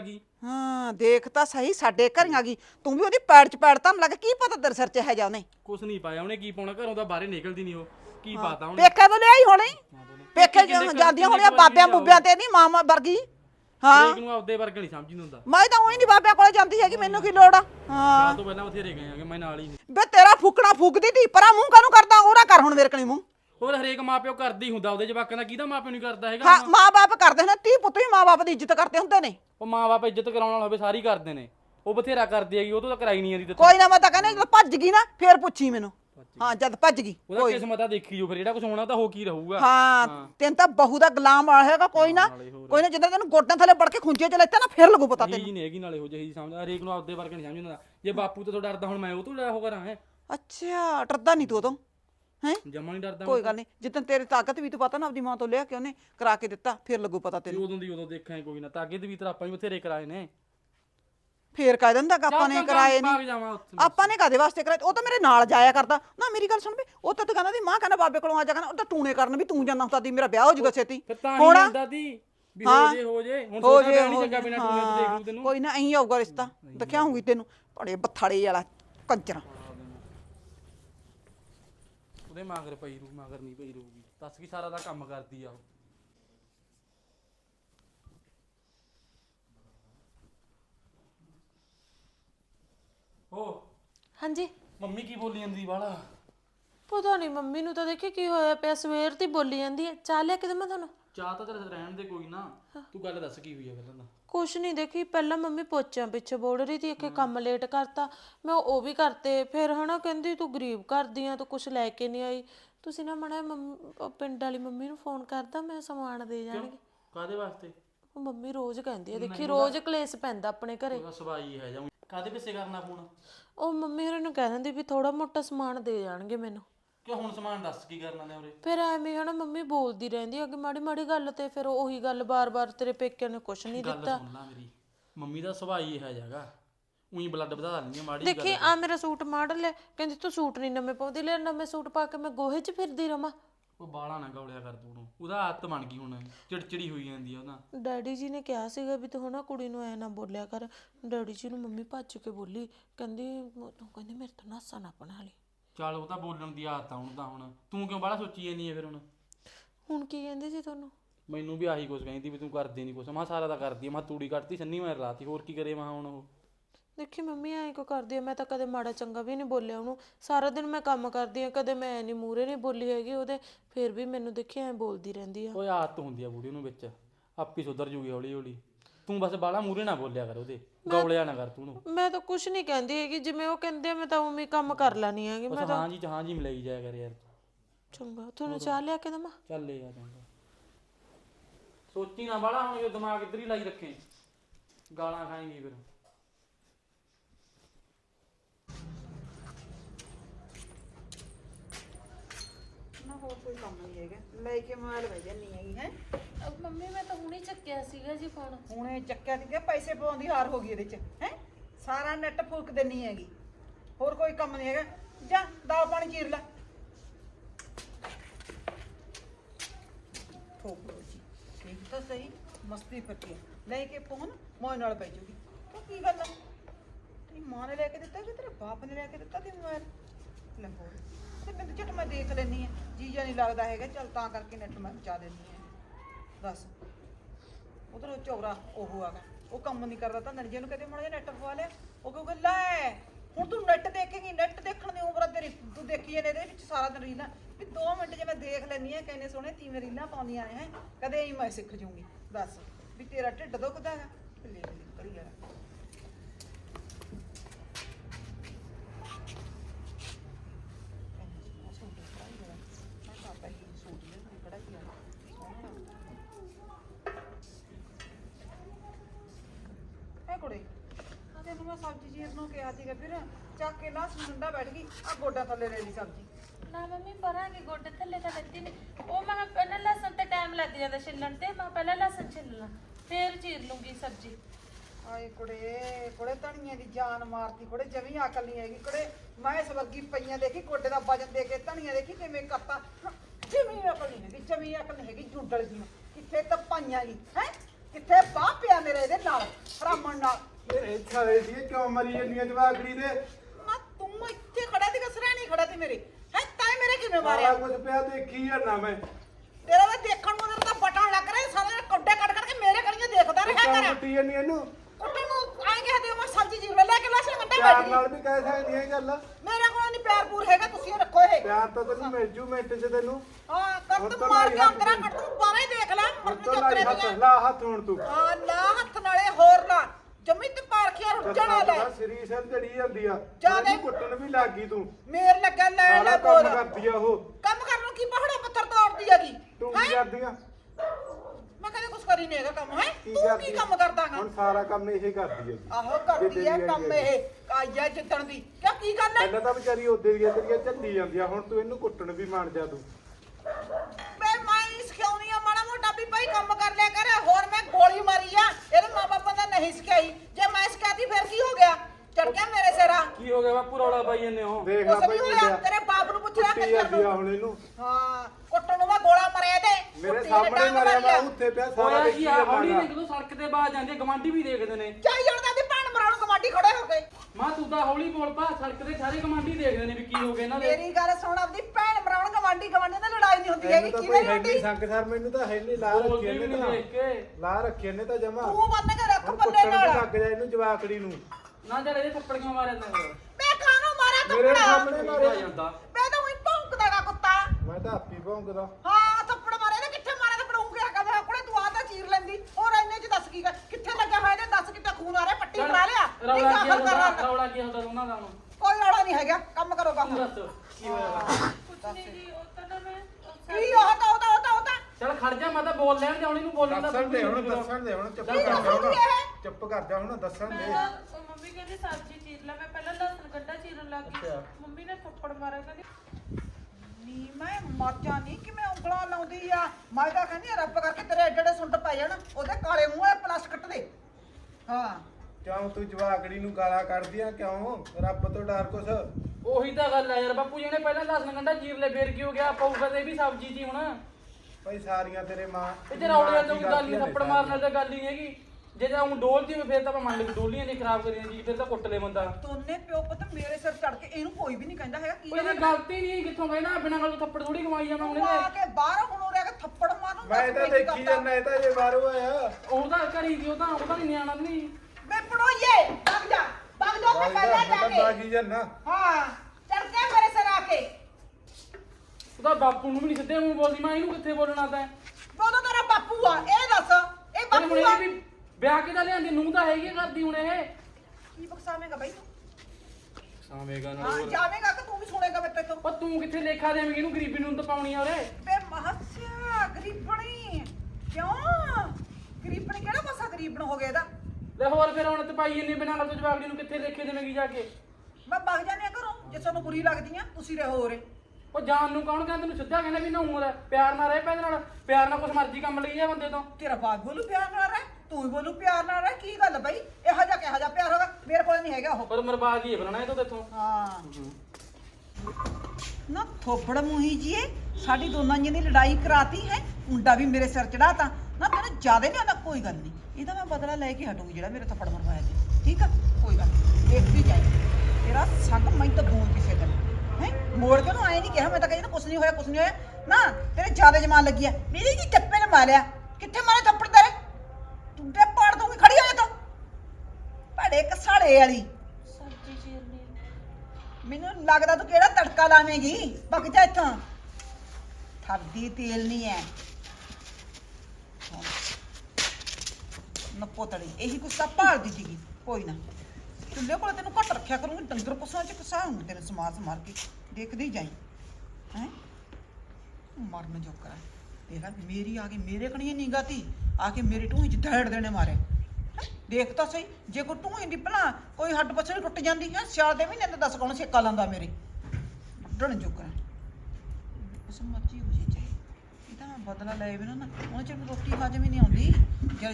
A: ਹਾਂ ਦੇਖ ਤਾਂ ਸਹੀ ਸਾਡੇ ਘਰੀਆਂ ਗਈ ਤੂੰ ਵੀ ਉਹਦੀ ਪੈੜ ਚ ਪੈੜ ਤਾਂ ਲੱਗ ਕੀ ਪਤਾ ਤੇਰੇ ਸਿਰ ਚ ਹੈ ਜਾ ਉਹਨੇ
D: ਕੁਛ ਨਹੀਂ ਪਾਇਆ ਉਹਨੇ, ਕੀ ਪਾਉਣਾ, ਘਰੋਂ ਤਾਂ ਬਾਹਰੇ ਨਿਕਲਦੀ ਨਹੀਂ ਉਹ, ਕੀ ਪਾਤਾ ਉਹਨੇ?
A: ਪੇਕੇ ਤੋਂ ਲਿਆਈ ਹੋਣੀ ਪੇਕੇ
D: ਕਿੰਨੇ
A: ਜਦੋਂ
D: ਘਰ-
A: ਜਾਂਦੀਆਂ
D: ਕਿੰਨੇ
A: ਹੋਣੀਆਂ
D: ਘਰ
A: ਬਾਬਿਆਂ
D: ਵੀ
A: ਬੁੱਬਿਆਂ ਤੇ ਨਹੀਂ ਮਾਂ ਮਾਂ ਵਰਗੀ ਹਾਂ
D: ਹਰੇਕ ਨੂੰ ਆਪਦੇ ਵਰਗਾ ਨਹੀਂ ਸਮਝੀ ਹੁੰਦਾ।
A: ਮੈਂ ਤਾਂ ਉਹੀ ਨਹੀਂ ਬਾਬਿਆਂ ਕੋਲੇ ਜਾਂਦੀ ਹੈਗੀ ਮੈਨੂੰ ਕੀ ਲੋੜ ਆ ਹਾਂ
D: ਵਿਆਹ ਤੋਂ ਪਹਿਲਾਂ ਬਥੇਰੇ ਗਏ ਆਗੇ, ਮੈਂ ਨਾਲ ਹੀ ਸੀ।
A: ਬੇ ਤੇਰਾ ਫੁਕਣਾ ਫੂਕਦੀ ਤੀ ਪਰਾਂ ਮੂੰਹ ਕਾਹਨੂੰ ਕਰਦਾ ਉਹਦਾ ਕਰ ਹੁਣ ਮੇਰੇ ਕਣੀ ਮੂੰਹ
D: ਹੋਰ ਹਰੇਕ ਮਾਪਿਓ ਕਰਦਾ ਹੀ ਹੁੰਦਾ ਉਹਦੇ ਜਵਾਕਾਂ ਦਾ, ਕਿਹਦਾ ਮਾਪਿਓ ਨਹੀਂ ਕਰਦਾ ਹੈਗਾ?
A: ਹਾਂ ਮਾਂ-ਬਾਪ ਕਰਦੇ ਨੇ ਧੀ ਪੁੱਤ ਵੀ ਮਾਂ-ਬਾਪ ਦੀ ਇੱਜ਼ਤ ਕਰਦੇ ਹੁੰਦੇ ਨੇ
D: ਉਹ ਮਾਂ-ਬਾਪ ਇੱਜ਼ਤ ਕਰਾਉਣ ਵਾਲਾ ਹੋਵੇ ਸਾਰੀ ਕਰਦੇ ਨੇ, ਉਹ ਬਥੇਰਾ ਕਰਦੀ ਹੈਗੀ, ਉਹ ਤੋਂ ਤਾਂ ਕਰਾਈ ਨਹੀਂ ਜਾਂਦੀ ਤੇ
A: ਕੋਈ ਨਾ ਮੈਂ ਤਾਂ ਕਹਿੰਦਾ ਜਦੋਂ ਭੱਜ ਗਈ ਨਾ ਫੇਰ ਪੁੱਛੀ ਮੈਨੂੰ ਹਾਂ ਜਦ ਭੱਜ ਗਈ
D: ਉਹਦਾ ਕਿਸਮਤ ਆ, ਦੇਖੀ ਜੋ ਫਿਰ ਜਿਹੜਾ ਕੁਝ ਹੋਣਾ ਤਾਂ ਹੋ ਕੀ ਰਹੂਗਾ।
A: ਹਾਂ ਤੈਨੂੰ ਤਾਂ ਬਹੂ ਦਾ ਗੁਲਾਮ ਆ ਹੈਗਾ ਕੋਈ ਨਾ ਕੋਈ ਨਾ ਜਦੋਂ ਤੈਨੂੰ ਗੋਡਾਂ ਥੱਲੇ ਵੜ ਕੇ ਖੁੰਝੇ ਚ ਲੈਤਾ ਨਾ ਫੇਰ ਲੱਗੂ ਪਤਾ ਤੈਨੂੰ
D: ਜੀ ਨਹੀਂ ਹੈਗੀ ਨਾਲੇ ਹੋ ਜਿਹੀ ਸਮਝ, ਹਰੇਕ ਨੂੰ ਆਪਦੇ ਵਰਗਾ ਨਹੀਂ ਸਮਝਦਾ। ਜੇ ਬਾਪੂ ਤੋਂ ਡਰਦਾ ਹੁਣ ਮੈਂ ਉਹ ਤੋਂ ਉਹ ਕਰਾਂ ਹੈ?
A: ਅੱਛਾ ਡਰਦਾ ਨਹੀਂ ਤੂੰ ਉਦੋਂ ਹੈ
D: ਜਮਾ ਨਹੀਂ ਡਰਦਾ
A: ਕੋਈ ਗੱਲ ਨਹੀਂ ਜਿੱਦਣ ਤੇਰੇ ਤਾਕਤ ਵੀ ਤੂੰ ਪਤਾ ਨਾ ਆਪਦੀ ਮਾਂ ਤੋਂ ਲਿਆ ਕੇ ਉਹਨੇ ਕਰਾ ਕੇ ਦਿੱਤਾ ਫਿਰ ਲੱਗੂ ਪਤਾ
D: ਤੇ
A: ਤੈਨੂੰ
D: ਉਦੋਂ ਦੀ ਉਦੋਂ ਦੇਖਾਂ ਕੋਈ ਨਾ, ਤਾਂ ਅੱਗੇ ਦੇ ਵੀ ਤਾਂ ਆਪਾਂ ਵੀ ਬਥੇਰੇ ਕਰਾਏ ਨੇ।
A: ਫੇਰ ਕਹਿ ਦਿੰਦਾ ਕਿ ਆਪਾਂ ਨੇ ਕਰਾਏ
D: ਭਾਗ
A: ਨਹੀਂ
D: ਜਾਵਾਂ ਉੱਥੇ।
A: ਆਪਾਂ ਨੇ ਕਾਦੇ ਵਾਸਤੇ ਕਰਾਏ ਉਹ ਤਾਂ ਮੇਰੇ ਨਾਲ ਜਾਇਆ ਕਰਦਾ ਨਾ ਮੇਰੀ ਗੱਲ ਸੁਣ ਵੀ ਉਹ ਤਾਂ ਤੂੰ ਕਹਿੰਦਾ ਦੀ ਮਾਂ ਕਹਿੰਦਾ ਬਾਬੇ ਕੋਲੋਂ ਆ ਜਾ ਕਹਿੰਦਾ ਉਹ ਤਾਂ ਟੂਣੇ ਕਰਨ ਵੀ ਤੂੰ ਜਾਂਦਾ ਹੁੰਦਾ ਦੀ ਮੇਰਾ ਵਿਆਹ ਹੋ ਜਾਊਗਾ ਛੇਤੀ
D: ਫਿਰ ਤਾਂ ਹੀ ਹੁੰਦਾ ਦੀ ਵੀ ਹੋ ਜੇ ਹੋ ਜੇ ਹੁਣ
A: ਹੋ
D: ਸੋਚਦਾ
A: ਜੇ
D: ਪਿਆ ਨਹੀਂ ਚੰਗਾ ਬਿਨਾ ਟੂਣੇ ਤੋਂ ਦੇਖ ਲੂ ਤੈਨੂੰ।
A: ਕੋਈ ਨਾ ਐਂ ਆਊਗਾ ਰਿਸ਼ਤਾ ਦੇਖਿਆ ਹੋਊਗੀ ਤੈਨੂੰ ਬੜੇ ਬਥੜੇ ਵਾਲਾ ਕੰਚਰਾ
D: ਉਹਦੇ ਮਾਗਰ ਪਈ ਰੂ ਮਾਗਰ ਨਹੀਂ ਪਈ ਰਹੂਗੀ, ਦੱਸ ਕੀ ਸਾਰਾ ਦਾ ਕੰਮ ਕਰਦੀ ਆ ਉਹ। ਓ
B: ਹਾਂਜੀ
D: ਮੰਮੀ ਕੀ ਬੋਲੀ ਜਾਂਦੀ ਵਾਲਾ?
B: ਪਤਾ ਨਹੀਂ ਮੰਮੀ ਨੂੰ ਤਾਂ ਦੇਖੀ ਕੀ ਹੋਇਆ ਪਿਆ, ਸਵੇਰ ਦੀ ਬੋਲੀ ਜਾਂਦੀ ਹੈ। ਚਾਹ ਲਿਆ ਕੇ ਦੇਵਾਂ ਤੁਹਾਨੂੰ?
D: ਚਾਹ ਤਾਂ ਤੇਰੇ ਰਹਿਣ ਦੇ ਕੋਈ ਨਾ, ਤੂੰ ਗੱਲ ਦੱਸ ਕੀ ਹੋਈ ਆ ਪਹਿਲਾਂ ਤਾਂ।
B: ਕੁਛ ਨਹੀਂ ਦੇਖੀ, ਪਹਿਲਾਂ ਮੰਮੀ ਪੋਚਿਆਂ ਪਿੱਛੇ ਬੋਲ ਰਹੀ ਸੀ ਕਿ ਕੰਮ ਲੇਟ ਕਰਤਾ, ਮੈਂ ਉਹ ਵੀ ਕਰਤੇ। ਫਿਰ ਹਨਾ ਕਹਿੰਦੀ ਤੂੰ ਗਰੀਬ ਕਰਦੀ ਆ, ਤੂੰ ਕੁਛ ਲੈ ਕੇ ਨਹੀਂ ਆਈ। ਤੁਸੀਂ ਨਾ ਮਾੜਾ ਮੰਮੀ ਪਿੰਡ ਵਾਲੀ ਮੰਮੀ ਨੂੰ ਫੋਨ ਕਰਦਾ, ਮੈਂ ਸਮਾਨ ਦੇ ਜਾਣਗੇ।
D: ਕਾਦੇ ਵਾਸਤੇ?
B: ਉਹ ਮੰਮੀ ਰੋਜ਼ ਕਹਿੰਦੀ ਆ, ਦੇਖੀ ਰੋਜ਼ ਕਲੇਸ਼ ਪੈਂਦਾ ਆਪਣੇ ਘਰੇ।
D: ਉਹਦਾ ਸਵਾਈ ਹੈ ਜਾਂ ਕਾਦੇ ਪਿੱਛੇ ਕਰਨਾ ਫੋਨ?
B: ਉਹ ਮੰਮੀ ਹੋਰਾਂ ਨੂੰ ਕਹਿ ਦਿੰਦੀ ਵੀ ਥੋੜਾ ਮੋਟਾ ਸਮਾਨ ਦੇ ਜਾਣਗੇ ਮੈਨੂੰ।
D: ਕਿ ਹੁਣ ਸਮਾਨ ਦੱਸ ਕੀ ਕਰਨਾ ਨੇ ਉਰੇ?
B: ਫਿਰ ਐਵੇਂ ਹਨਾ ਮੰਮੀ ਬੋਲਦੀ ਰਹਿੰਦੀ ਆ ਕਿ ਮਾੜੀ ਮਾੜੀ ਗੱਲ ਤੇ ਫਿਰ ਉਹੀ ਗੱਲ ਬਾਰ-ਬਾਰ ਤੇਰੇ ਪੇਕਿਆਂ ਨੇ ਕੁਛ ਨਹੀਂ
D: ਗੱਲ
B: ਦਿੱਤਾ।
D: ਸੁਣ ਲੈ ਮੇਰੀ, ਮੰਮੀ ਦਾ ਸਵਾਈ ਹੈ ਜਗਾ ਉਹੀ ਬਲੱਡ ਵਧਾ ਲੈਂਦੀ ਆ ਮਾੜੀ
B: ਦੇਖੀ ਆ ਮੇਰਾ ਸੂਟ ਮਾੜ ਲੈ, ਕਹਿੰਦੀ ਤੂੰ ਸੂਟ ਨਹੀਂ ਨਵੇਂ ਪਾਉਂਦੀ, ਲੈ ਨਵੇਂ ਸੂਟ ਪਾ ਕੇ ਮੈਂ ਗੋਹੇ 'ਚ ਫਿਰਦੀ ਰਵਾਂ।
D: ਉਹ ਬਾਲਾ ਨਾ ਗੌਲਿਆ ਕਰ ਤੂੰ ਉਹਨੂੰ, ਉਹਦਾ ਆਦਤ ਬਣ ਗਈ ਹੁਣ, ਚਿੜਚਿੜੀ ਹੋਈ ਜਾਂਦੀ ਆ ਉਹਦਾ।
B: ਡੈਡੀ ਜੀ ਨੇ ਕਿਹਾ ਸੀਗਾ ਵੀ ਤੂੰ ਹਨਾ ਕੁੜੀ ਨੂੰ ਐ ਨਾ ਬੋਲਿਆ ਕਰ। ਡੈਡੀ ਜੀ ਨੂੰ ਮੰਮੀ ਭੱਜ ਕੇ ਬੋਲੀ, ਕਹਿੰਦੀ ਤੂੰ ਕਹਿੰਦੀ ਮੇਰੇ ਤੋਂ ਨਾਸਾ ਨਾ ਬਣਾ ਲਈ।
D: ਚੱਲ ਉਹ ਤਾਂ ਬੋਲਣ ਦੀ ਆਦਤ ਆ ਉਹਨੂੰ ਤਾਂ, ਹੁਣ ਤੂੰ ਕਿਉਂ ਬਾਲਾ ਸੋਚੀ ਜਾਂਦੀ ਹੈ ਫਿਰ ਹੁਣ?
B: ਹੁਣ ਕੀ ਕਹਿੰਦੀ ਸੀ ਤੁਹਾਨੂੰ?
D: ਮੈਨੂੰ ਵੀ ਆਹੀ ਕੁਝ ਕਹਿੰਦੀ ਵੀ ਤੂੰ ਕਰਦੀ ਨਹੀਂ ਕੁਛ। ਮੈਂ ਸਾਰਾ ਤਾਂ ਕਰਦੀ ਆ, ਮੈਂ ਤੂੜੀ ਕੱਟਤੀ ਸੰਨੀ ਮੈਂ ਲਾਤੀ, ਹੋਰ ਕੀ ਕਰੇ ਮੈਂ ਹੁਣ। ਉਹ
B: ਦੇਖੀ ਮੰਮੀ ਐਂ ਕਿਉਂ ਕਰਦੀ ਆ, ਮੈਂ ਤਾਂ ਕਦੇ ਮਾੜਾ ਚੰਗਾ ਵੀ ਨਹੀਂ ਬੋਲਿਆ ਉਹਨੂੰ। ਸਾਰਾ ਦਿਨ ਮੈਂ ਕੰਮ ਕਰਦੀ ਆ, ਕਦੇ ਮੈਂ ਨਹੀਂ ਮੂਹਰੇ ਨਹੀਂ ਬੋਲੀ ਹੈਗੀ ਉਹਦੇ, ਫਿਰ ਵੀ ਮੈਨੂੰ ਦੇਖੀ ਐਂ ਬੋਲਦੀ ਰਹਿੰਦੀ ਆ।
D: ਉਹ ਆਦਤ ਹੁੰਦੀ ਆ ਬੁੜੀ ਨੂੰ ਵਿੱਚ, ਆਪੀ ਸੁਧਰ ਜੂਗੀ ਹੌਲੀ ਹੌਲੀ। ਤੂੰ ਬਸ ਬਾਲਾ ਮੂਹਰੇ ਨਾ ਬੋਲਿਆ ਕਰ ਉਹਦੇ, ਗੌਲਿਆ ਨਾ ਕਰ ਤੂੰ ਉਹਨੂੰ।
B: ਮੈਂ ਤਾਂ ਕੁਛ ਨਹੀਂ ਕਹਿੰਦੀ ਹੈਗੀ, ਜਿਵੇਂ ਉਹ ਕਹਿੰਦੇ ਆ ਮੈਂ ਤਾਂ ਉਵੇਂ ਕੰਮ ਕਰ ਲੈਣੀ ਹੈਗੀ।
D: ਬਸ ਹਾਂ ਜੀ ਹਾਂ ਜੀ ਮਿਲਾਈ ਜਾਇਆ ਕਰ ਯਾਰ।
B: ਚੰਗਾ ਤੁਹਾਨੂੰ ਚਾਹ ਲਿਆ ਕੇ ਦੇਵਾਂ?
D: ਚੱਲ ਲੈ ਆ ਚੰਗਾ, ਸੋਚੀ ਨਾ ਬਾਲਾ ਹੁਣ, ਜੋ ਦਿਮਾਗ ਇੱਧਰ ਹੀ ਲਾਈ ਰੱਖੇ, ਗਾਲਾਂ ਖਾਏਂਗੀ ਫਿਰ।
A: ਨਾ ਹੋਰ ਕੋਈ ਕੰਮ ਨਹੀਂ ਹੈਗਾ, ਲੈ ਕੇ ਮੋਬਾਈਲ ਵਜ ਜਾਨੀ ਹੈਗੀ ਹੈ
B: ਮੰਮੀ ਮੈਂ ਤਾਂ ਹੁਣੇ ਚੱਕਿਆ ਸੀਗਾ ਜੀ ਫੋਨ।
A: ਹੁਣੇ ਚੱਕਿਆ ਤੇ ਪੈਸੇ ਪਾਉਣ ਦੀ ਹਾਰ ਹੋ ਗਈ ਇਹਦੇ ਚ ਹੈ ਸਾਰਾ ਨੈਟ ਫੂਕ ਦੇਣੀ ਹੈਗੀ, ਹੋਰ ਕੋਈ ਕੰਮ ਨਹੀਂ ਹੈਗਾ। ਜਾ ਦਾਲ ਪਾਣੀ ਚੀਰ ਲੈ। ਠੋਕ ਲੋ ਜੀ, ਠੀਕ ਤਾਂ ਸਹੀ ਮਸਤੀ ਕਰਤੀ ਹੈ। ਲੈ ਕੇ ਫੋਨ ਮੋਏ ਨਾਲ ਪੈ ਜੂਗੀ। ਉਹ ਕੀ ਗੱਲ ਹੈ, ਤੇਰੀ ਮਾਂ ਨੇ ਲੈ ਕੇ ਦਿੱਤਾ ਕਿ ਤੇਰੇ ਬਾਪ ਨੇ ਲੈ ਕੇ ਦਿੱਤਾ ਤੇ ਮੋਬਾਈਲ ਲੈ ਹੋਰ ਤੇ ਮੈਨੂੰ ਝਟ ਮੈਂ ਦੇਖ ਲੈਣੀ ਹੈ, ਜੀਜਾ ਨਹੀਂ ਲੱਗਦਾ ਹੈਗਾ, ਚੱਲ ਤਾਂ ਕਰਕੇ ਨੈਟ ਮੈਂ ਬਚਾ ਦਿੰਦੀ ਹਾਂ। ਦੱਸ ਉਧਰ ਚੌਰਾ ਉਹ ਆਗਾ, ਉਹ ਕੰਮ ਨਹੀਂ ਕਰਦਾ ਤਾਂ ਨਰਜੇ ਨੂੰ ਕਦੇ ਮਾੜਾ ਜਿਹਾ ਨੈਟ ਪਵਾ ਲਿਆ, ਉਹ ਕਹੂਗਾ ਲੈ ਹੁਣ ਤੂੰ ਨੈਟ ਦੇਖੇਂਗੀ, ਨੈਟ ਦੇਖਣ ਦੀ ਉਮਰ ਆ ਤੇਰੀ, ਤੂੰ ਦੇਖੀ ਜਾਂਦੇ ਇਹਦੇ ਵਿੱਚ ਸਾਰਾ ਦਿਨ ਰੀਲਾਂ ਵੀ ਦੋ ਮਿੰਟ ਜੇ ਮੈਂ ਦੇਖ ਲੈਂਦੀ ਹਾਂ ਕਿੰਨੇ ਸੋਹਣੇ ਤੀਵੇਂ ਰੀਲਾਂ ਪਾਉਂਦੀਆਂ ਨੇ ਹੈ, ਕਦੇ ਹੀ ਮੈਂ ਸਿੱਖ ਜੂੰਗੀ। ਦੱਸ ਵੀ ਤੇਰਾ ਢਿੱਡ ਦੁਖਦਾ ਹੈਗਾ ਲੈ ਲੈ ਕਰੀ ਯਾਰ। ਕੁੜੇ ਆ ਤੈਨੂੰ ਮੈਂ ਸਬਜ਼ੀ ਚੀਰ ਨੂੰ ਕਿਹਾ ਸੀਗਾ, ਫਿਰ ਚੱਕ ਕੇ ਨਾ ਸੁੰਡਾ ਬੈਠ ਗਈ ਆ ਗੋਡਾ ਥੱਲੇ ਲੈ ਲਈ ਸਬਜ਼ੀ।
B: ਨਾ ਮੰਮੀ ਪਰਾਂਗੇ ਗੋਡੇ ਥੱਲੇ ਤਾਂ ਲੱਤੀ ਨਹੀਂ, ਉਹ ਮੈਂ ਕਿਹਾ ਪਹਿਲਾਂ ਲਸਣ ਤੇ ਟਾਈਮ ਲੱਗ ਜਾਂਦਾ ਛਿੱਲਣ ਤੇ, ਮੈਂ ਪਹਿਲਾਂ ਲਸਣ ਛਿੱਲ ਲਾਂ ਫੇਰ ਚੀਰ ਲੂੰਗੀ ਸਬਜ਼ੀ।
A: ਆਏ ਕੁੜੇ ਕੁੜੇ ਧਣੀਆਂ ਦੀ ਜਾਨ ਮਾਰਤੀ ਕੁੜੇ, ਜਮੀ ਅਕਲ ਨਹੀਂ ਹੈਗੀ ਕੁੜੇ। ਮੈਂ ਇਸ ਵਰਗੀ ਪਈਆਂ ਦੇਖੀ ਗੋਡੇ ਦਾ ਵਜਨ ਦੇ ਕੇ ਧਣੀਆਂ ਦੇਖੀ ਕਿਵੇਂ ਕਰਤਾ, ਜਮੀ ਅਕਲ ਨਹੀਂ ਹੈਗੀ, ਜਮੀ ਅਕਲ ਨਹੀਂ ਹੈਗੀ ਜੁੱਡਲ ਜੀ ਕਿੱਥੇ ਤਾਂ ਪਾਈਆਂ ਗਈ ਹੈ ਕਿੱਥੇ ਬਾਹ ਪਿਆ ਮੇਰੇ ਇਹਦੇ ਨਾਲ ਹਰਾਮਣ ਨਾਲ।
C: ਇਹ ਛਾਲੇ ਦੀ ਇਹ ਕਿਉਂ ਮਰੀ ਜੰਨੀਆਂ ਜਵਾਕੜੀ ਦੇ?
A: ਨਾ ਤੂੰ ਇੱਥੇ ਖੜਾ ਸੀ ਕਸਰਾ ਨਹੀਂ ਖੜਾ ਸੀ ਮੇਰੇ ਹੈ ਤਾਂ ਮੇਰੇ ਕਿਵੇਂ
C: ਸਾਰਾ
A: ਮਾਰਿਆ?
C: ਕੁਝ ਪਿਆ ਦੇਖੀ ਜਾਣਾ ਮੈਂ।
A: ਤੇਰਾ ਵੇ ਦੇਖਣ ਨੂੰ ਤੇਰਾ ਤਾਂ ਬਟਨ ਲੱਗ ਰਿਹਾ ਸਾਰੇ ਕੱਡੇ ਕੱਢ ਕੱਢ ਕੇ ਮੇਰੇ ਕਣੀਆਂ ਦੇਖਦਾ ਰਿਹਾ
C: ਕਿਉਂ
A: ਕਰ।
C: ਕੁੱਟੀ ਜੰਨੀ ਇਹਨੂੰ?
A: ਕੁੱਟੇ ਨੂੰ ਆਏ ਕਹਿ ਦਿਓ ਮੈਂ ਸਬਜ਼ੀ ਜੀਵ ਲੈ ਕੇ ਲਾਸ਼ ਕੱਟਾ
C: ਪਿਆਰ
A: ਬੈਠੀ
C: ਨਾਲ ਵੀ ਕਹਿ ਸਕਦੀ ਹੈ ਗੱਲ।
A: ਮੇਰੇ ਕੋਲ ਨਹੀਂ ਪਿਆਰ ਪੂਰ ਹੈਗਾ ਤੁਸੀਂ ਇਹ ਰੱਖੋ ਇਹ।
C: ਪਿਆਰ ਤਾਂ ਤੈਨੂੰ ਮਿਲ ਜੂ ਮਿੰਟ 'ਚ ਤੈਨੂੰ।
A: ਹਾਂ ਕਰ
C: ਹੁਣ
A: ਤੂੰ
C: ਤਾਂ
A: ਮਾਰ
C: ਲਾਈ
A: ਕੇ
C: ਹੱਥ
A: ਅੰਤਰਾ
C: ਤੂੰ।
A: ਕੱਟ ਤੂੰ ਬਾਰੇ ਦੇਖ ਲੈ
C: ਹੁਣ
A: ਮਰਨ
C: ਤਾਂ
A: ਚੋਕਰੇ
C: ਲਾਈ ਹੱਥ
A: ਦੀਆਂ।
C: ਲਾ ਹੱਥ ਹੁਣ ਤੂੰ।
A: ਹਾਂ ਲਾ ਹੱਥ ਨਾਲੇ ਹੋਰ ਲਾ ਜਮੀ ਤੇ ਪਾਰਖੀਆਂ ਰੁੱਝਣਾ ਲੈ
C: ਸਰੀ ਸਰ ਜੜੀ ਜਾਂਦੀ ਆ।
A: ਜ਼ਿਆਦੇ-
C: ਇਹਨੂੰ ਕੁੱਟਣ ਵੀ ਲੱਗ ਗਈ ਤੂੰ।
A: ਮੇਰ ਲੱਗਾ ਲੈ
C: ਸਾਰਾ
A: ਲੈ
C: ਕੰਮ
A: ਬੋਲ
C: ਕਰਦੀ ਆ ਉਹ।
A: ਕੰਮ ਕਰਨ ਨੂੰ ਕੀ ਪਹਾੜਾ ਪੱਥਰ ਤੋੜਦੀ ਹੈਗੀ
C: ਤੂੰ ਕੀ
A: ਹੈਂ?
C: ਕਰਦੀ ਆ?
A: ਮੈਂ ਕਦੇ ਕੁਛ ਕਰੀ ਨਹੀਂ ਹੈਗਾ ਕੰਮ ਹੈ
C: ਕੀ
A: ਤੂੰ
C: ਕਰਦੀ
A: ਕੀ
C: ਆ?
A: ਕੰਮ ਕਰਦਾਗਾ
C: ਹੁਣ ਸਾਰਾ ਕੰਮ ਇਹ ਕਰਦੀ ਆ।
A: ਆਹੋ ਕਰਦੀ
C: ਜਿੱਦੇ
A: ਹੈ
C: ਦੀ
A: ਕੰਮ
C: ਆਈ
A: ਇਹ ਆਈਆ ਜਿੱਦਣ ਦੀ ਕਿਆ ਕੀ ਗੱਲ ਹੈ
C: ਪਹਿਲਾਂ ਤਾਂ ਵਿਚਾਰੀ ਉਹਦੇ ਦੀਆਂ ਤੇਰੀਆਂ ਝੱਲੀ ਜਾਂਦੀ ਆ। ਹੁਣ ਤੂੰ ਇਹਨੂੰ ਕੁੱਟਣ ਵੀ ਮੰਨ ਜਾ ਤੂੰ।
A: ਮੈਂ ਮਾਈ ਸਿਖਾਉਣੀ ਆ ਮਾੜਾ ਮੋਟਾ ਵੀ ਭਾਈ ਕੰਮ ਕਰ ਲਿਆ ਕਰ ਹੋਰ ਮੈਂ ਗੋਲੀ ਮਾਰੀ ਆ ਇਹਦੇ ਮਾਪੇ ਨੇ ਨਹੀਂ ਸਿਖਾਈ ਜੇ ਮੈਂ ਸਿਖਾਤੀ ਫਿਰ ਕੀ ਹੋ ਗਿਆ ਚੜ ਗਿਆ ਮੇਰੇ ਸਿਰਾ
D: ਕੀ ਹੋ ਗਿਆ ਬਾਪੂ ਰੌਲਾ ਪਾਈ ਜੰਨੇ ਹੋ?
C: ਦੇਖ ਲੈ
A: ਕੁਛ
C: ਭਾਈ
A: ਨਹੀਂ ਹੋਇਆ ਤੇਰੇ ਬਾਪ ਨੂੰ ਪੁੱਛ ਲੈ
C: ਕੁੱਟੀ
A: ਕਿੱਧਰ
C: ਜਾਂਦੀ ਆ
A: ਨੂੰ
C: ਹੁਣ ਇਹਨੂੰ।
A: ਹਾਂ ਕੁੱਟਣ ਨੂੰ ਮੈਂ ਗੋਲਾ ਮਾਰਿਆ ਤੇ
C: ਮੇਰੇ
A: ਕੁੱਟੀ ਨੇ
C: ਸਾਹਮਣੇ
A: ਡੰਗ
C: ਮਾਰਿਆ
A: ਮਾਰਿਆ।
C: ਮੈਂ ਉੱਥੇ ਪਿਆ ਸਾਰਾ
D: ਹੋਇਆ
C: ਦੇਖੀ
D: ਕੀ ਆ ਹੌਲੀ
C: ਜਾਂਦਾ।
D: ਨੇ ਜਦੋਂ ਸੜਕ ਤੇ ਬਾਹਰ ਜਾਂਦੇ ਗਵਾਂਢੀ ਵੀ ਦੇਖਦੇ ਨੇ।
A: ਚਾਈ ਜਣਦਾ ਦੀ ਭੈਣ ਮਰਾਉਣ ਕਮਾਡੀ ਖੜੇ ਹੋ ਗਏ
D: ਮਾਂ ਤੂੰ ਤਾਂ ਹੌਲੀ ਬੋਲ ਪਾ ਸੜਕ ਤੇ ਸਾਰੇ ਗਵਾਂਢੀ ਦੇਖਦੇ ਨੇ ਵੀ ਕੀ ਹੋ ਗਿਆ ਇਹਨਾਂ ਦੇ।
A: ਮੇਰੀ ਗੱਲ ਸੁਣ ਆਪਦੀ ਭੈਣ ਮਰਾਉਣ ਕਮਾਡੀ ਕਮਾਡੀ ਨਾਲ ਲੜਾਈ ਨਹੀਂ ਹੁੰਦੀ ਹੈਗੀ
C: ਇਹਨੂੰ ਤਾਂ
A: ਕਿਵੇਂ
C: ਭਾਈ ਹੈ
A: ਹੁੰਦੀ
C: ਨਹੀਂ ਸੰਗ ਸਰ ਮੈਨੂੰ ਤਾਂ ਹੈ ਨਹੀਂ ਲਾ ਰੱਖੀ
D: ਬੋਲਦੀ ਵੀ
C: ਇਹਨੇ
D: ਨਹੀਂ
C: ਤਾਂ।
D: ਦੇਖ ਕੇ।
C: ਲਾ ਰੱਖੀ ਇਹਨੇ ਤਾਂ ਜਮਾ।
A: ਤੂੰ ਬੰਨ ਕੇ ਰੱਖ
C: ਹੁਣ
A: ਪੱਲੇ
C: ਕੁੱਟਣ ਵੀ
A: ਨਾਲ
C: ਲੱਗ ਜਾ ਇਹਨੂੰ ਜਵਾਕੜੀ ਨੂੰ।
D: ਨਾ ਜੜ ਇਹਦੇ ਥੱਪੜ ਕਿਉਂ ਮਾਰਿਆ ਤੈਨੂੰ?
A: ਮੈਂ ਕਾਹਨੂੰ ਮਾਰਿਆ
C: ਮੇਰੇ
A: ਥੱਪੜਾ
C: ਸਾਹਮਣੇ ਮਾਰਿਆ
D: ਜਾਂਦਾ।
A: ਮੈਂ ਤਾਂ ਉਹੀ ਭੌਂਕਦਾਗਾ ਕੁੱਤਾ
C: ਮੈਂ ਤਾਂ ਆਪੀ ਭੌਂਕਦਾ।
A: ਹਾਂ ਥੱਪੜ ਮਾਰਿਆ ਤੇ ਕਿੱਥੇ ਮਾਰਿਆ ਥੱਪੜ ਉਹ ਕਿਹਾ ਕਹਿੰਦਾ ਕੋਲੇ ਤੂੰ ਆ ਤਾਂ ਚੀਰ ਲੈਂਦੀ ਹੋਰ ਇੰਨੇ ਚ ਦੱਸ ਕੀ ਕਰ ਕਿੱਥੇ ਲੱਗਾ ਹੋਇਆ ਇਹਦੇ ਦੱਸ ਕਿੱਥੇ ਖੂਨ ਆ ਰਿਹਾ ਪੱਟੀ ਕਰਾ ਲਿਆ ਨਹੀਂ
D: ਰੌਲਾ ਕੀ
A: ਦਾਖਲ ਕਰ
D: ਹੁੰਦਾ
A: ਲਾ
D: ਰੌਲਾ ਕੀ ਹੁੰਦਾ ਦੋਨਾਂ ਦਾ ਹੁਣ?
A: ਕੋਈ ਰੌਲਾ ਨਹੀਂ ਹੈਗਾ ਕੰਮ ਕਰੋ ਕੰਮ
D: ਤੂੰ ਦੱਸ ਕੀ ਹੋਇਆ?
B: ਕੁਛ ਨਹੀਂ ਜੀ ਉਹ ਤਾਂ ਨਾ ਮੈਂ
A: ਕੀ ਉਹ ਤਾਂ ਉਹ ਤਾਂ ਉਹ ਤਾਂ ਉਹ ਤਾਂ
D: ਚੱਲ ਖੜ ਜਾ ਮੈਂ ਤਾਂ ਬੋਲ ਲੈਣ ਦੇ ਹੁਣ ਇਹਨੂੰ ਬੋਲਣ ਦਾ
C: ਦੱਸਣ ਦੇ ਹੁਣ ਦੱਸਣ ਦੇ ਹੁਣ ਚੁੱਪ
A: ਕੀ
C: ਕਰ ਜਾ
A: ਦੱਸੂਗੀ
C: ਹੁਣ।
A: ਇਹ?
C: ਚੁੱਪ ਕਰ ਜਾ ਹੁਣ ਦੱਸਣ ਦੇ।
B: ਮੈਂ ਉਹ ਮੰਮੀ ਕਹਿੰਦੀ ਸਬਜ਼ੀ ਚੀਰ ਲੈ ਮੈਂ ਪਹਿਲਾਂ ਲਸਣ ਗੰਢਾ ਚੀਰਨ ਲੱਗ ਗਈ ਮੰਮੀ ਨੇ ਥੱਪੜ ਮਾਰਿਆ ਕਹਿੰਦੀ
A: ਨੀ ਮੈਂ ਮਰ ਜਾਣੀ ਕਿ ਮੈਂ ਉਂਗਲਾਂ ਲਾਉਂਦੀ ਆ ਮੈਂ ਤਾਂ ਕਹਿੰਦੀ ਆ ਰੱਬ ਕਰਕੇ ਤੇਰੇ ਏਡੇ ਏਡੇ ਸੁੰਡ ਪੈ ਜਾਣ ਉਹਦੇ ਕਾਲੇ ਮੂੰਹ ਐ ਪਲਸ ਕੱਟ ਦੇ ਹਾਂ
C: ਕਿਉਂ ਤੂੰ ਜਵਾਕੜੀ ਨੂੰ ਗਾਲਾਂ ਕੱਢਦੀ ਆ ਕਿਉਂ? ਰੱਬ ਤੋਂ ਡਰ ਕੁਛ।
D: ਉਹੀ ਤਾਂ ਗੱਲ ਹੈ ਯਾਰ ਬਾਪੂ ਜੀ ਨੇ ਪਹਿਲਾਂ ਲਸਣ ਗੰਢਾ ਚੀਰ ਲੈ ਫੇਰ ਕੀ ਹੋ ਗਿਆ ਪਊਗਾ ਤੇ ਇਹ ਵੀ ਸਬਜ਼ੀ ਜੀ ਹੁਣ।
C: ਭਾਈ ਸਾਰੀਆਂ ਤੇਰੇ ਮਾਂ
D: ਇਹ ਤੇ ਰੌਲੇ ਤੋਂ
C: ਮਾਂ
D: ਕੋਈ ਗੱਲ ਨਹੀਂ
C: ਦੀ
D: ਥੱਪੜ ਮਾਰਨ ਨਾਲ ਤਾਂ ਗੱਲ ਹੀ ਨਹੀਂ ਹੈਗੀ। ਜੇ ਤਾਂ ਹੁਣ ਡੋਲਦੀ ਹੋਵੇ ਫੇਰ ਤਾਂ ਆਪਾਂ ਮੰਨ ਲਓ ਡੋਲੀਆਂ ਨਹੀਂ ਖਰਾਬ ਕਰੀਆਂ ਜੀ ਫਿਰ ਤਾਂ ਕੁੱਟ ਲੈ ਬੰਦਾ।
A: ਦੋਨੇ ਪਿਓ ਪੁੱਤ ਮੇਰੇ ਸਿਰ ਚੜ ਕੇ ਇਹਨੂੰ ਕੋਈ ਵੀ ਨਹੀਂ ਕਹਿੰਦਾ ਹੈਗਾ ਕੀ
D: ਉਹ ਇਹਦੀ ਗਲਤੀ ਨਹੀਂ ਕਿੱਥੋਂ ਕਹਿਣਾ ਬਿਨਾਂ ਗੱਲ ਤੋਂ ਥੱਪੜ ਥੋੜੀ ਕਮਾਈ ਜਾਣਾ ਉਹਨੇ
A: ਤੂੰ ਆ
D: ਤੇ।
A: ਕੇ ਬਾਹਰ ਹੁਣ ਉਰੇ ਆ ਕੇ ਥੱਪੜ ਮਾਰੂ
C: ਮੈਂ ਤਾਂ ਦੇਖੀ ਜਾਂਦਾ ਇਹ ਤਾਂ ਜੇ ਬਾਹਰੋਂ ਆਇਆ।
D: ਉਹ ਤਾਂ ਘਰੀ ਦੀ ਉਹ ਤਾਂ ਉਹਦਾ ਨਹੀਂ ਨਿਆਣਾ ਨਹੀਂ।
A: ਮੈਂ ਪੜੋਈਏ ਭੱਗ ਜਾ ਭੱਗ ਜਾ ਤੇ ਪਹਿਲਾਂ ਜਾ
C: ਮੈਂ ਤਾਂ
A: ਕੇ
C: ਬਾਗੀ ਜਾਨਾ।
A: ਹਾਂ ਚੜ ਕੇ ਮੇਰੇ ਸਿਰ ਆ ਕੇ
D: ਉਹਦਾ ਬਾਪੂ ਨੂੰ ਵੀ ਨਹੀਂ ਸਿੱਧੇ ਮੂੰਹ ਬੋਲਦੀ ਮੈਂ ਇਹਨੂੰ ਕਿੱਥੇ ਬੋਲਣਾ ਤਾਂ।
A: ਉਹਦਾ ਤੇਰਾ ਬਾਪੂ ਆ ਇਹ ਦੱਸ ਇਹ
D: ਪਰ ਹੁਣ
A: ਬਾਪੂ ਆ
D: ਇਹ ਵੀ ਵਿਆਹ ਕੇ ਤਾਂ ਲਿਆਂਦੀ ਨੂੰ ਤਾਂ ਹੈਗੀ ਆ ਕਰਦੀ ਹੁਣ ਇਹ।
A: ਕੀ ਬਖਸ਼ਾਵੇਂਗਾ ਬਈ ਤੂੰ
D: ਸਾਵੇਗਾ
A: ਹਾਂ ਜਾਵੇਂਗਾ ਕਿ ਤੂੰ ਵੀ ਸੁਣੇਗਾ ਮੇਰੇ ਤੋਂ
D: ਪਰ ਤੂੰ ਕਿੱਥੇ ਲੇਖਾ ਦੇਵੇਂਗੀ ਇਹਨੂੰ ਗਰੀਬੀ ਨੂੰ ਤਾਂ ਪਾਉਣੀ ਆ ਉਰੇ।
A: ਬੇ ਮਹੱਸਿਆ ਗਰੀਬਣੀ ਕਿਉਂ ਗਰੀਬਣੀ ਕਿਹੜਾ ਪਾਸਾ ਗਰੀਬਣ ਹੋ ਗਿਆ ਇਹਦਾ
D: ਲੈ ਹੋਰ ਫਿਰ ਹੁਣ ਤਪਾਈ ਇੰਨੀ ਬਿਨਾਂ ਗੱਲ ਤੋਂ ਜਵਾਬੜੀ ਨੂੰ ਕਿੱਥੇ ਲੇਖੇ ਦੇਵੇਂਗੀ ਜਾ ਕੇ?
A: ਮੈਂ ਵਗ ਜਾਣਿਆ ਘਰੋਂ ਜੇ ਤੁਹਾਨੂੰ ਬੁਰੀ ਲੱਗਦੀ ਆ ਤੁਸੀਂ ਰਹੋ ਉਰੇ
D: ਉਹ ਜਾਨ ਨੂੰ ਕੌਣ ਕਹਿੰਦਾ ਤੈਨੂੰ ਸਿੱਧਾ ਕਹਿੰਦਾ ਵੀ ਨਾ ਉਮਰ ਹੈ ਪਿਆਰ ਨਾਲ ਰਹਿ ਪੈਦੇ ਨਾਲ ਪਿਆਰ ਨਾਲ ਕੁਛ ਮਰਜ਼ੀ ਕੰਮ ਲਈ ਜਾ ਬੰਦੇ ਤੋਂ।
A: ਤੇਰਾ ਬਾਪ ਬੋਲੂ ਪਿਆਰ ਨਾਲ ਰਹਿ ਤੂੰ ਵੀ ਬੋਲੂ ਪਿਆਰ ਨਾਲ ਰਹਿ ਕੀ ਗੱਲ ਬਈ ਇਹੋ ਜਿਹਾ ਕਿਹੋ ਜਿਹਾ ਪਿਆਰ ਹੋਗਾ ਮੇਰੇ ਕੋਲ ਨਹੀਂ ਹੈਗਾ ਉਹ
D: ਪਰ ਮਰਬਾਦ ਹੀ ਹੈ ਬਣਾਣਾ ਇਹ ਤੋਂ ਤੇਥੋਂ।
A: ਹਾਂ ਨਾ ਥੋਪੜ ਮੂਹੀ ਜੀਏ ਸਾਡੀ ਦੋਨਾਂ ਜੀਆਂ ਦੀ ਲੜਾਈ ਕਰਾਤੀ ਹੈ ਮੁੰਡਾ ਵੀ ਮੇਰੇ ਸਿਰ ਚੜਾਤਾ ਨਾ ਤੈਨੂੰ ਜ਼ਿਆਦਾ ਨਹੀਂ ਆਉਂਦਾ ਕੋਈ ਗੱਲ ਨਹੀਂ ਇਹਦਾ ਮੈਂ ਬਦਲਾ ਲੈ ਕੇ ਹਟੂੰਗੀ ਜਿਹੜਾ ਮੇਰੇ ਥੱਪੜ ਮਰਵਾਇਆ ਜੀ ਠੀਕ ਆ ਕੋਈ ਗੱਲ ਨੀ, ਦੇਖਦੀ ਜਾਈ ਤੇਰਾ ਸੰਗ ਮੈਂ ਤਾਂ ਦੂਰ ਕਿਸੇ ਦਿਨ ਹੈ ਮੋੜ ਕੇ ਨੂੰ ਆਏ ਨਹੀਂ ਕਿਹਾ ਮੈਂ ਤਾਂ ਕਹਿੰਦਾ ਕੁਛ ਨਹੀਂ ਹੋਇਆ ਕੁਛ ਨਹੀਂ ਹੋਇਆ ਨਾ ਤੇਰੇ ਜ਼ਿਆਦਾ ਜਮਾਨ ਲੱਗੀ ਆ ਮੇਰੀ ਕੀ ਚੱਪੇ ਨੇ ਮਾਰਿਆ ਕਿੱਥੇ ਮਾਰੇ ਥੱਪੜ ਤੇਰੇ ਤੂੰ ਤੇ ਪਾੜ ਦੂੰਗੀ ਖੜੀ ਹੋ ਜਾ ਤੂੰ ਭੜੇ ਕਸਾੜੇ ਵਾਲੀ
B: ਸਬਜ਼ੀ ਚੀਰਨੀ
A: ਮੈਨੂੰ ਲੱਗਦਾ ਤੂੰ ਕਿਹੜਾ ਤੜਕਾ ਲਾਵੇਂਗੀ ਪੱਕ ਜਾ ਇੱਥੋਂ ਥਰਦੀ ਤੇਲ ਨਹੀਂ ਐ ਨੱਪੋ ਤੜੀ ਇਹੀ ਗੁੱਸਾ ਭਾਲਦੀ ਸੀਗੀ ਕੋਈ ਨਾ ਚੁੱਲ੍ਹੇ ਕੋਲ ਤੈਨੂੰ ਘੱਟ ਰੱਖਿਆ ਕਰੂੰਗੀ ਡੰਗਰ ਪਸ਼ੂਆਂ ਚ ਕਸਾਉਂਗੀ ਤੈਨੂੰ ਸਮਾਰ ਸਮਾਰ ਕੇ ਦੇਖਦੀ ਜਾਈ ਹੈ ਮਰਨ ਜੋਕਰਾ ਦੇਖਾ ਮੇਰੀ ਆ ਕੇ ਮੇਰੇ ਕਣੀਏ ਨੀਂਗਾ ਤੀ ਆ ਕੇ ਮੇਰੇ ਟੂਹੀ ਚ ਧੜ ਦੇਣੇ ਮਾਰੇ ਹੈਂ? ਦੇਖ ਤਾਂ ਸਹੀ ਜੇ ਕੋਈ ਟੂਹੀ ਦੀ ਭਲਾ ਕੋਈ ਹੱਡ ਪਸਲੀ ਟੁੱਟ ਜਾਂਦੀ ਹੈ ਸਿਆਲ ਦੇ ਮਹੀਨੇ ਤੇ ਦੱਸ ਕੌਣ ਸੇਕਾ ਲਾਂਦਾ ਮੇਰੇ ਡਣ ਜੋਕਰਾ ਉਸ ਮੱਚੀ ਹੋ ਜੇ ਚਾਹੀ ਇਹਦਾ ਮੈਂ ਬਦਲਾ ਲੈ ਬਿਨਾ ਨਾ ਉਹਨਾਂ ਚ ਰੋਟੀ ਹਜਮ ਹੀ ਨਹੀਂ ਆਉਂਦੀ